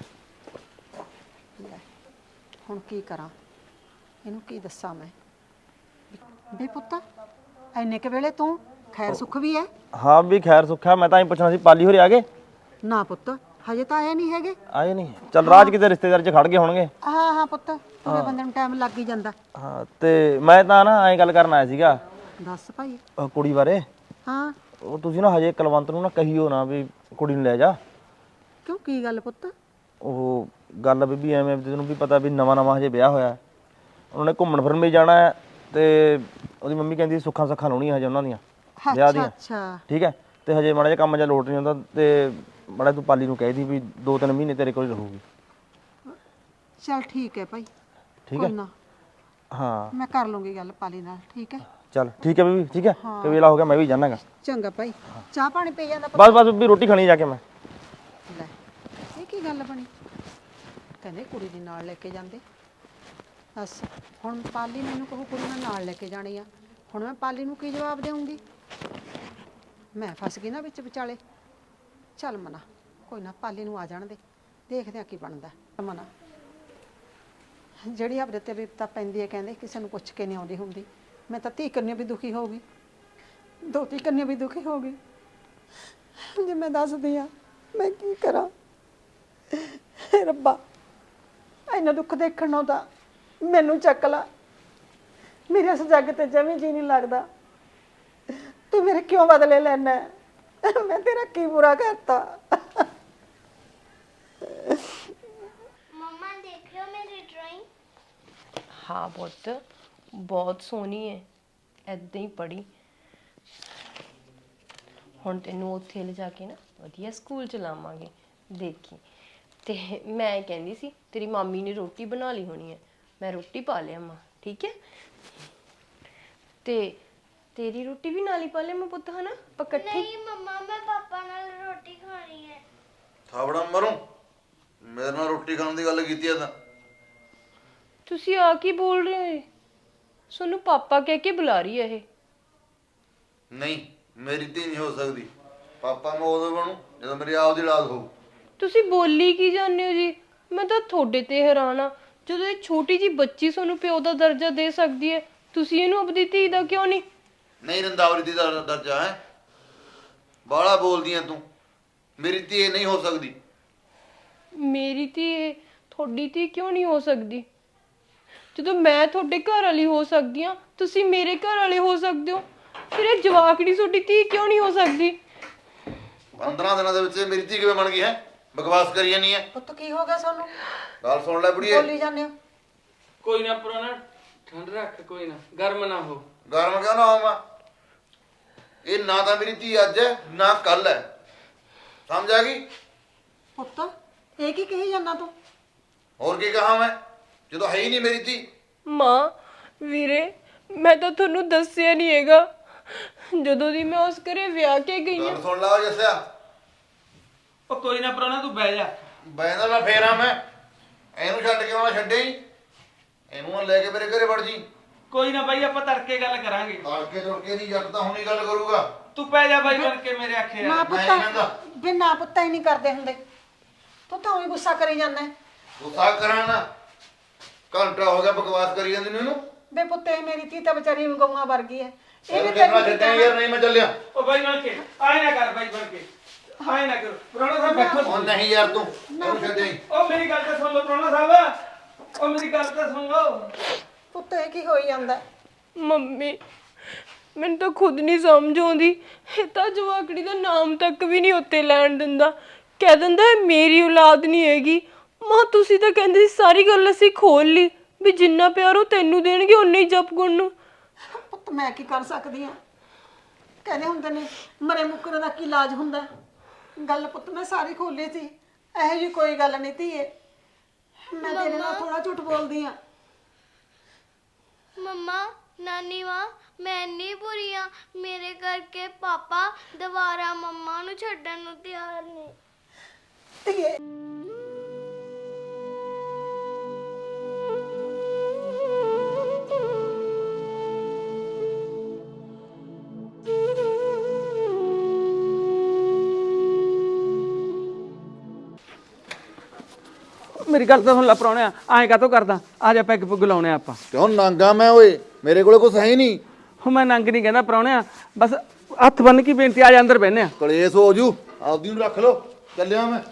Speaker 4: ਹੁਣ ਕੀ ਕਰਾਂ ਇਹਨੂੰ ਕੀ ਦੱਸਾਂ ਮੈਂ ਬੇ ਪੁੱਤ ਐਨੇ ਕੁ ਵੇਲੇ ਤੂੰ ਖੈਰ ਸੁੱਖ ਵੀ ਹੈ
Speaker 9: ਹਾਂ ਵੀ ਖੈਰ ਸੁੱਖਾ ਮੈਂ ਤਾਂ ਹੀ ਪੁੱਛਣਾ ਸੀ ਪਾਲੀ ਹੋਰੇ ਆ ਗਏ
Speaker 4: ਨਾ ਪੁੱਤ ਹਜੇ ਤਾਂ ਆਏ ਨਹੀਂ ਹੈਗੇ
Speaker 9: ਆਏ ਨਹੀਂ ਚੱਲ ਰਾਜ ਕਿਤੇ ਰਿਸ਼ਤੇਦਾਰ 'ਚ ਖੜ ਗਏ ਹੋਣਗੇ
Speaker 4: ਹਾਂ ਪੁੱਤ ਪੂਰੇ ਬੰਦੇ ਨੂੰ ਟਾਈਮ ਲੱਗ ਹੀ ਜਾਂਦਾ
Speaker 9: ਹਾਂ ਤੇ ਮੈਂ ਤਾਂ ਨਾ ਐਂ ਗੱਲ ਕਰਨ ਆਇਆ ਸੀਗਾ
Speaker 4: ਦੱਸ ਭਾਈ
Speaker 9: ਕੁੜੀ ਬਾਰੇ
Speaker 4: ਹਾਂ
Speaker 9: ਉਹ ਤੁਸੀਂ ਨਾ ਹਜੇ ਕੁਲਵੰਤ ਨੂੰ ਨਾ ਕਹੀਓ ਨਾ ਵੀ ਕੁੜੀ ਨੂੰ ਲੈ ਜਾ
Speaker 4: ਕਿਉਂ ਕੀ ਗੱਲ ਪੁੱਤ
Speaker 9: ਉਹ ਗੱਲ ਬੀਬੀ ਐਵੇਂ ਤੈਨੂੰ ਵੀ ਪਤਾ ਵੀ ਨਵਾਂ ਹਜੇ ਵਿਆਹ ਹੋਇਆ ਉਹਨਾਂ ਨੇ ਘੁੰਮਣ ਫਿਰਨ ਵੀ ਜਾਣਾ ਹੈ ਤੇ ਉਹਦੀ ਮੰਮੀ ਕਹਿੰਦੀ ਸੁੱਖਾਂ ਲਾਉਣੀਆਂ ਹਜੇ ਉਹਨਾਂ ਦੀਆਂ ਵਿਆਹ ਦੀਆਂ
Speaker 4: ਅੱਛਾ
Speaker 9: ਠੀਕ ਹੈ ਤੇ ਹਜੇ ਮਾੜਾ ਜਿਹਾ ਕੰਮ ਜਿਹਾ ਲੋਟ ਨਹੀਂ ਹੁੰਦਾ ਤੇ ਮਾੜਾ ਤੂੰ ਪਾਲੀ ਨੂੰ ਕਹਿ ਦੀ ਵੀ 2-3 ਮਹੀਨੇ ਤੇਰੇ ਕੋਲ ਰਹੂਗੀ
Speaker 4: ਚਲ ਠੀਕ ਹੈ ਭਾਈ
Speaker 9: ਠੀਕ ਹੈ
Speaker 4: ਕੋਈ ਨਾ
Speaker 9: ਹਾਂ
Speaker 4: ਮੈਂ ਕਰ ਲੂੰਗੀ ਗੱਲ ਪਾਲੀ ਨਾਲ ਠੀਕ ਹੈ
Speaker 9: ਚੱਲ ਠੀਕ ਹੈ ਬੀਬੀ ਠੀਕ ਹੈ ਤੇ ਵੇਲਾ ਹੋ ਗਿਆ ਮੈਂ ਵੀ ਜਾਣਾਗਾ
Speaker 4: ਚੰਗਾ ਭਾਈ ਚਾਹ ਪਾਣੀ ਪੀ ਜਾਂਦਾ
Speaker 9: ਬਸ ਵੀ ਰੋਟੀ ਖਾਣੀ ਜਾ ਕੇ ਮੈਂ
Speaker 4: ਲੈ ਇਹ ਕੀ ਗੱਲ ਬਣੀ ਕਹਿੰਦੇ ਕੁੜੀ ਦੇ ਨਾਲ ਲੈ ਕੇ ਜਾਂਦੇ ਬਸ ਹੁਣ ਪਾਲੀ ਮੈਨੂੰ ਕਹੂ ਕੁੜੀ ਨੂੰ ਨਾਲ ਲੈ ਕੇ ਜਾਣੀ ਆ ਹੁਣ ਮੈਂ ਪਾਲੀ ਨੂੰ ਕੀ ਜਵਾਬ ਦੇਵਾਂਗੀ ਮੈਂ ਫਸ ਗਈ ਨਾ ਵਿੱਚ ਵਿਚਾਲੇ ਚੱਲ ਮਨਾ ਕੋਈ ਨਾ ਪਾਲੀ ਨੂੰ ਆ ਜਾਣ ਦੇ ਦੇਖਦੇ ਆ ਕੀ ਬਣਦਾ ਮਨਾ ਜਿਹੜੀ ਆਪਦੇ ਤੇ ਵਿਪਤਾ ਪੈਂਦੀ ਹੈ ਕਹਿੰਦੇ ਕਿਸੇ ਨੂੰ ਪੁੱਛ ਕੇ ਨਹੀਂ ਆਉਂਦੀ ਹੁੰਦੀ ਮੈਂ ਤਾਂ ਧੀ ਕੰਨਿਓ ਵੀ ਦੁਖੀ ਹੋ ਗਈ ਦੋਤੀ ਕੰਨਿਓ ਵੀ ਦੁਖੀ ਹੋ ਗਈ ਜੇ ਮੈਂ ਦੱਸਦੀ ਆ ਮੈਂ ਕੀ ਕਰਾਂ ਰੱਬਾ ਇੰਨਾ ਦੁੱਖ ਦੇਖਣ ਨੂੰ ਤਾਂ ਮੈਨੂੰ ਚੱਕ ਲਾ ਮੇਰੇ ਇਸ ਜੱਗ ਤੇ ਜਮੀ ਜੀ ਨਹੀਂ ਲੱਗਦਾ ਤੂੰ ਮੇਰੇ ਕਿਉਂ ਬਦਲੇ ਲੈਣਾ ਮੈਂ ਤੇਰਾ ਕੀ ਬੁਰਾ ਕਰਤਾ
Speaker 6: ਮੰਮਾ ਦੇਖ ਲਓ ਮੇਰੀ ਡਰਾਇੰਗ
Speaker 1: ਹਾਂ ਪੁੱਤ ਬਹੁਤ ਸੋਹਣੀ ਹੈ ਐਦਾਂ ਹੀ ਪੜ੍ਹੀ ਹੁਣ ਤੈਨੂੰ ਉੱਥੇ ਲਿਜਾ ਕੇ ਨਾ ਵਧੀਆ ਸਕੂਲ ਚ ਲਾਵਾਂਗੇ ਦੇਖੀ ਤੇ ਮੈਂ ਕਹਿੰਦੀ ਸੀ ਤੇਰੀ ਮਾਮੀ ਨੇ ਰੋਟੀ ਬਣਾ ਲਈ ਹੋਣੀ ਹੈ ਮੈਂ ਰੋਟੀ ਪਾ ਲਿਆ ਮਾਂ ਠੀਕ ਹੈ ਤੇ ਤੇਰੀ ਰੋਟੀ ਵੀ ਨਾਲ ਹੀ ਪਾ ਲਿਆ ਮੈਂ ਪੁੱਤ ਹਨਾ ਆਪਾਂ ਇਕੱਠੇ
Speaker 6: ਨਹੀਂ ਮੰਮਾ ਮੈਂ ਪਾਪਾ ਨਾਲ ਰੋਟੀ ਖਾਣੀ ਹੈ
Speaker 2: ਥਾਵੜਾ ਮਰੂੰ ਮੇਰੇ ਨਾਲ ਰੋਟੀ ਖਾਣ ਦੀ ਗੱਲ ਕੀਤੀ ਆ ਤਾਂ
Speaker 1: ਤੁਸੀਂ ਆ ਕੀ ਬੋਲ ਰਹੇ ਹੋ ਤੁਹਾਨੂੰ ਪਾਪਾ ਕਹਿ ਕੇ ਬੁਲਾ ਰਹੀ ਹੈ ਇਹ
Speaker 2: ਨਹੀਂ ਮੇਰੀ ਧੀ ਨਹੀਂ ਹੋ ਸਕਦੀ। ਪਾਪਾ ਮੈਂ ਉਦੋਂ ਬਣੂ ਜਦੋਂ ਮੇਰੀ ਆਪਦੀ ਔਲਾਦ ਹੋਊ।
Speaker 1: ਤੁਸੀਂ ਬੋਲੀ ਕੀ ਜਾਂਦੇ ਹੋ ਜੀ? ਮੈਂ ਤਾਂ ਤੁਹਾਡੇ ਤੇ ਹੈਰਾਨ ਆ, ਜਦੋਂ ਇਹ ਛੋਟੀ ਜੀ ਬੱਚੀ ਤੁਹਾਨੂੰ ਪਿਓ ਦਾ ਦਰਜਾ ਦੇ ਸਕਦੀ ਹੈ, ਤੁਸੀਂ ਇਹਨੂੰ ਆਪਣੀ ਧੀ ਦਾ ਕਿਉਂ ਨਹੀਂ?
Speaker 2: ਨਹੀਂ ਰੰਦਾਵਲੀ ਦੀ ਦਾ ਦਰਜਾ ਹੈ। ਬਾਹਲਾ ਬੋਲਦੀ ਐ ਤੂੰ। ਮੇਰੀ ਧੀ ਇਹ ਨਹੀਂ ਹੋ ਸਕਦੀ।
Speaker 1: ਮੇਰੀ ਧੀ ਤੁਹਾਡੀ ਧੀ ਕਿਉਂ ਨਹੀਂ ਹੋ ਸਕਦੀ? ਜਦੋਂ ਮੈਂ ਤੁਹਾਡੇ ਘਰ ਵਾਲੀ ਹੋ ਸਕਦੀ ਹਾਂ, ਤੁਸੀਂ ਮੇਰੇ ਘਰ ਵਾਲੇ ਹੋ ਸਕਦੇ ਹੋ, ਫਿਰ ਇਹ ਜਵਾਕੜੀ ਤੁਹਾਡੀ ਧੀ ਕਿਉਂ ਨਹੀਂ ਹੋ ਸਕਦੀ?
Speaker 2: 15 ਦਿਨਾਂ ਦੇ ਵਿੱਚ ਮੇਰੀ ਧੀ ਕਿਵੇਂ ਬਣ ਗਈ ਹੈ? ਬਕਵਾਸ ਕਰੀ ਜਾਨੀ ਹੈ।
Speaker 7: ਪੁੱਤ ਕੀ ਹੋ ਗਿਆ ਤੁਹਾਨੂੰ?
Speaker 2: ਗੱਲ ਸੁਣ ਲੈ ਬੁੜੀਏ।
Speaker 7: ਬੋਲੀ ਜਾਂਦੇ ਹੋ।
Speaker 8: ਕੋਈ ਨਾ ਪ੍ਰਾਹੁਣਾ, ਠੰਡ ਰੱਖ, ਕੋਈ ਨਾ, ਗਰਮ ਨਾ ਹੋ।
Speaker 2: ਗਰਮ ਕਿਉਂ ਨਾ ਹੋਵਾਂ? ਇਹ ਨਾ ਤਾਂ ਮੇਰੀ ਧੀ ਅੱਜ ਹੈ ਨਾ ਕੱਲ ਹੈ। ਸਮਝ ਆ ਗਈ?
Speaker 7: ਪੁੱਤ ਇਹ ਕੀ ਕਹੀ ਜਾਂਦਾ ਤੂੰ?
Speaker 2: ਹੋਰ ਕੀ ਕਹਾਂ ਮੈਂ ਜਦੋਂ ਹੈ ਹੀ ਨਹੀਂ ਮੇਰੀ ਧੀ।
Speaker 1: ਮਾਂ, ਵੀਰੇ, ਮੈਂ ਤਾਂ ਤੁਹਾਨੂੰ ਦੱਸਿਆ ਨਹੀਂ ਹੈਗਾ, ਜਦੋਂ ਦੀ ਮੈਂ ਉਸ ਘਰੇ ਵਿਆਹ ਕੇ ਗਈ ਹਾਂ।
Speaker 2: ਗੱਲ ਸੁਣ ਲਾ ਜੱਸਿਆ।
Speaker 8: ਉਹ ਕੋਈ ਨਾ ਪ੍ਰਾਹੁਣਾ, ਤੂੰ ਬਹਿ ਜਾ।
Speaker 2: ਬੈਂਦਾ ਨਾ ਫੇਰਾਂ ਮੈਂ ਇਹਨੂੰ ਛੱਡ ਕੇ ਆਉਣਾ ਛੱਡੇ ਹੀ। ਇਹਨੂੰ ਨਾ ਲੈ ਕੇ ਮੇਰੇ ਘਰੇ ਵੜ ਜੀ।
Speaker 8: ਕੋਈ ਨਾ ਬਾਈ, ਆਪਾਂ ਤੜਕੇ ਗੱਲ ਕਰਾਂਗੇ।
Speaker 2: ਤੜਕੇ ਤੁੜਕੇ ਦੀ ਜੱਟ ਤਾਂ ਹੁਣੀ ਗੱਲ ਕਰੂਗਾ।
Speaker 8: ਤੂੰ ਪੈ ਜਾ ਬਾਈ ਬਣ ਕੇ ਮੇਰੇ ਆਖੇ
Speaker 7: ਨਾ
Speaker 8: ਯਾਰ।
Speaker 2: ਮੈਂ ਨਹੀਂ ਕਹਿੰਦਾ।
Speaker 7: ਪੁੱਤ ਬਿਨਾ ਪੁੱਤਾਂ ਹੀ ਨਹੀਂ ਕਰਦੇ ਹੁੰਦੇ। ਤੂੰ ਤਾਂ ਉਹੀ ਗੁੱਸਾ ਕਰੀ ਜਾਂਦਾ ਹੈ।
Speaker 2: ਗੁੱਸਾ ਕਰਾਂ ਨਾ। ਘੰਟਾ ਹੋ ਗਿਆ ਬਕਵਾਸ ਕਰੀ ਜਾਂਦੀ ਨੂੰ ਇਹਨੂੰ।
Speaker 7: ਬੇ ਪੁੱਤ ਇਹ ਮੇਰੀ ਧੀ ਤਾਂ ਵਿਚਾਰੀ ਗਊਆਂ ਵਰਗੀ ਹੈ।
Speaker 2: ਇਹਨੂੰ ਕਿਹਨਾਂ ਛੱਡਿਆ ਯਾਰ? ਨਹੀਂ ਮੈਂ ਚੱਲਿਆ।
Speaker 8: ਉਹ ਬਾਈ ਬਣ ਕੇ ਆਏ ਨਾ ਕਰ, ਬਾਈ ਬਣ ਕੇ ਆਏ ਨਾ ਕਰ। ਪ੍ਰਾਹੁਣਾ ਸਾਹਿਬ ਬੈਠੋ।
Speaker 2: ਉਹ ਨਹੀਂ ਯਾਰ ਤੂੰ ਇਹਨੂੰ ਛੱਡਿਆ ਹੀ।
Speaker 8: ਉਹ ਮੇਰੀ ਗੱਲ ਤਾਂ ਸੁਣ ਲਓ ਪ੍ਰਾਹੁਣਾ ਸਾਹਿਬ, ਉਹ ਮੇਰੀ ਗੱਲ ਤਾਂ ਸੁਣ ਲਓ।
Speaker 7: ਪੁੱਤ ਇਹ ਕੀ ਹੋਈ ਜਾਂਦਾ?
Speaker 1: ਮੰਮੀ, ਮੈਨੂੰ ਤਾਂ ਖੁਦ ਨਹੀਂ ਸਮਝ ਆਉਂਦੀ। ਇਹ ਤਾਂ ਜਵਾਕੜੀ ਦਾ ਨਾਮ ਤੱਕ ਵੀ ਨਹੀਂ ਉੱਤੇ ਲੈਣ ਦਿੰਦਾ, ਕਹਿ ਦਿੰਦਾ ਇਹ ਮੇਰੀ ਔਲਾਦ ਨਹੀਂ ਹੈਗੀ। ਮਾਂ, ਤੁਸੀਂ ਤਾਂ ਕਹਿੰਦੇ ਸੀ ਸਾਰੀ ਗੱਲ ਅਸੀਂ ਖੋਲ ਲਈ ਵੀ ਜਿੰਨਾ ਪਿਆਰ ਉਹ ਤੈਨੂੰ ਦੇਣਗੇ ਉਨਾ ਹੀ ਜਪਗੁਣ ਨੂੰ।
Speaker 7: ਪੁੱਤ ਮੈਂ ਕੀ ਕਰ ਸਕਦੀ ਹਾਂ? ਕਹਿੰਦੇ ਹੁੰਦੇ ਨੇ ਮਰੇ ਮੁੱਕਰੇ ਦਾ ਕੀ ਇਲਾਜ ਹੁੰਦਾ। ਗੱਲ ਪੁੱਤ ਮੈਂ ਸਾਰੀ ਖੋਲੀ ਸੀ। ਇਹੋ ਜਿਹੀ ਕੋਈ ਗੱਲ ਨਹੀਂ ਧੀਏ। ਮੈਂ ਤੇਰੇ ਨਾਲ ਥੋੜਾ ਝੂਠ ਬੋਲਦੀ ਆ।
Speaker 6: ਮੰਮਾ, ਨਾਨੀ ਮਾਂ, ਮੈਂ ਇੰਨੀ ਬੁਰੀ ਆ, ਮੇਰੇ ਕਰਕੇ ਪਾਪਾ ਦੁਬਾਰਾ ਮੰਮਾ ਨੂੰ ਛੱਡਣ ਨੂੰ ਤਿਆਰ ਨਹੀਂ।
Speaker 7: ਧੀਏ
Speaker 8: ਮੇਰੀ ਗੱਲ ਤਾਂ ਸੁਣ ਲੈ ਪ੍ਰਾਹੁਣਿਆ, ਐਂ ਕਾਹਤੋਂ ਕਰਦਾ? ਆ ਜਾ ਪੈਗ ਪੁੱਗ ਲਾਉਣੇ ਆਪਾਂ।
Speaker 2: ਕਿਉਂ ਨਾਂਗਾ ਮੈਂ ਓਏ? ਮੇਰੇ ਕੋਲੇ ਕੁਛ ਹੈ ਹੀ ਨਹੀਂ।
Speaker 8: ਹੁਣ ਮੈਂ ਨੰਗ ਨਹੀਂ ਕਹਿੰਦਾ ਪ੍ਰਾਹੁਣਿਆ, ਬਸ ਹੱਥ ਬੰਨ ਕੇ ਬੇਨਤੀ, ਆ ਜਾ ਅੰਦਰ ਬਹਿਨੇ ਆ।
Speaker 2: ਕਲੇਸ਼ ਹੋ ਜੂ। ਆਪਦੀ ਨੂੰ ਰੱਖ ਲੋ। ਚੱਲਿਆ ਮੈਂ।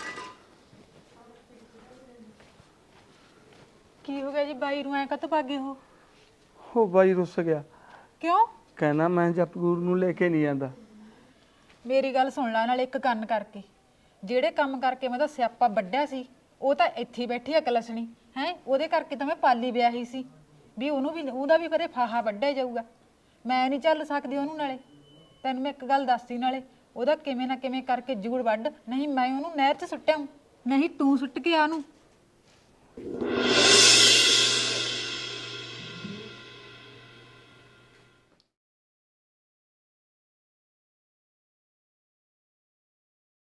Speaker 7: ਕੀ ਹੋ ਗਿਆ ਜੀ? ਬਾਈ ਨੂੰ ਐ ਕਦੋਂ ਭਾਗੇ ਹੋ?
Speaker 8: ਉਹ ਬਾਈ ਰੁੱਸ ਗਿਆ,
Speaker 7: ਕਿਉਂ?
Speaker 8: ਕਹਿੰਦਾ ਮੈਂ ਜਪਗੁਰੂ ਨੂੰ ਲੈ ਕੇ ਨਹੀਂ ਜਾਂਦਾ।
Speaker 7: ਮੇਰੀ ਗੱਲ ਸੁਣ ਲੈ ਨਾਲ ਇੱਕ ਕੰਨ ਕਰਕੇ। ਜਿਹੜੇ ਕੰਮ ਕਰਕੇ ਮੈਂ ਤਾਂ ਸਿਆਪਾ ਵੱਢਿਆ ਸੀ ਉਹ ਤਾਂ ਇੱਥੇ ਹੀ ਬੈਠੀ ਆ ਕਲਸਣੀ ਹੈ। ਉਹਦੇ ਕਰਕੇ ਤਾਂ ਮੈਂ ਪਾਲੀ ਵਿਆਹੀ ਸੀ ਵੀ ਉਹਨੂੰ ਵੀ ਉਹਦਾ ਵੀ ਕਦੇ ਫਾਹਾ ਵੱਢਿਆ ਜਾਊਗਾ। ਮੈਂ ਨਹੀਂ ਚੱਲ ਸਕਦੀ ਉਹਨੂੰ। ਨਾਲੇ ਤੈਨੂੰ ਮੈਂ ਇੱਕ ਗੱਲ ਦੱਸਦੀ, ਨਾਲੇ ਉਹਦਾ ਕਿਵੇਂ ਨਾ ਕਿਵੇਂ ਕਰਕੇ ਜੂੜ ਵੱਢ, ਨਹੀਂ ਮੈਂ ਉਹਨੂੰ ਨਹਿਰ 'ਚ ਸੁੱਟਿਆ, ਨਹੀਂ ਤੂੰ ਸੁੱਟ ਕੇ ਆ ਉਹਨੂੰ।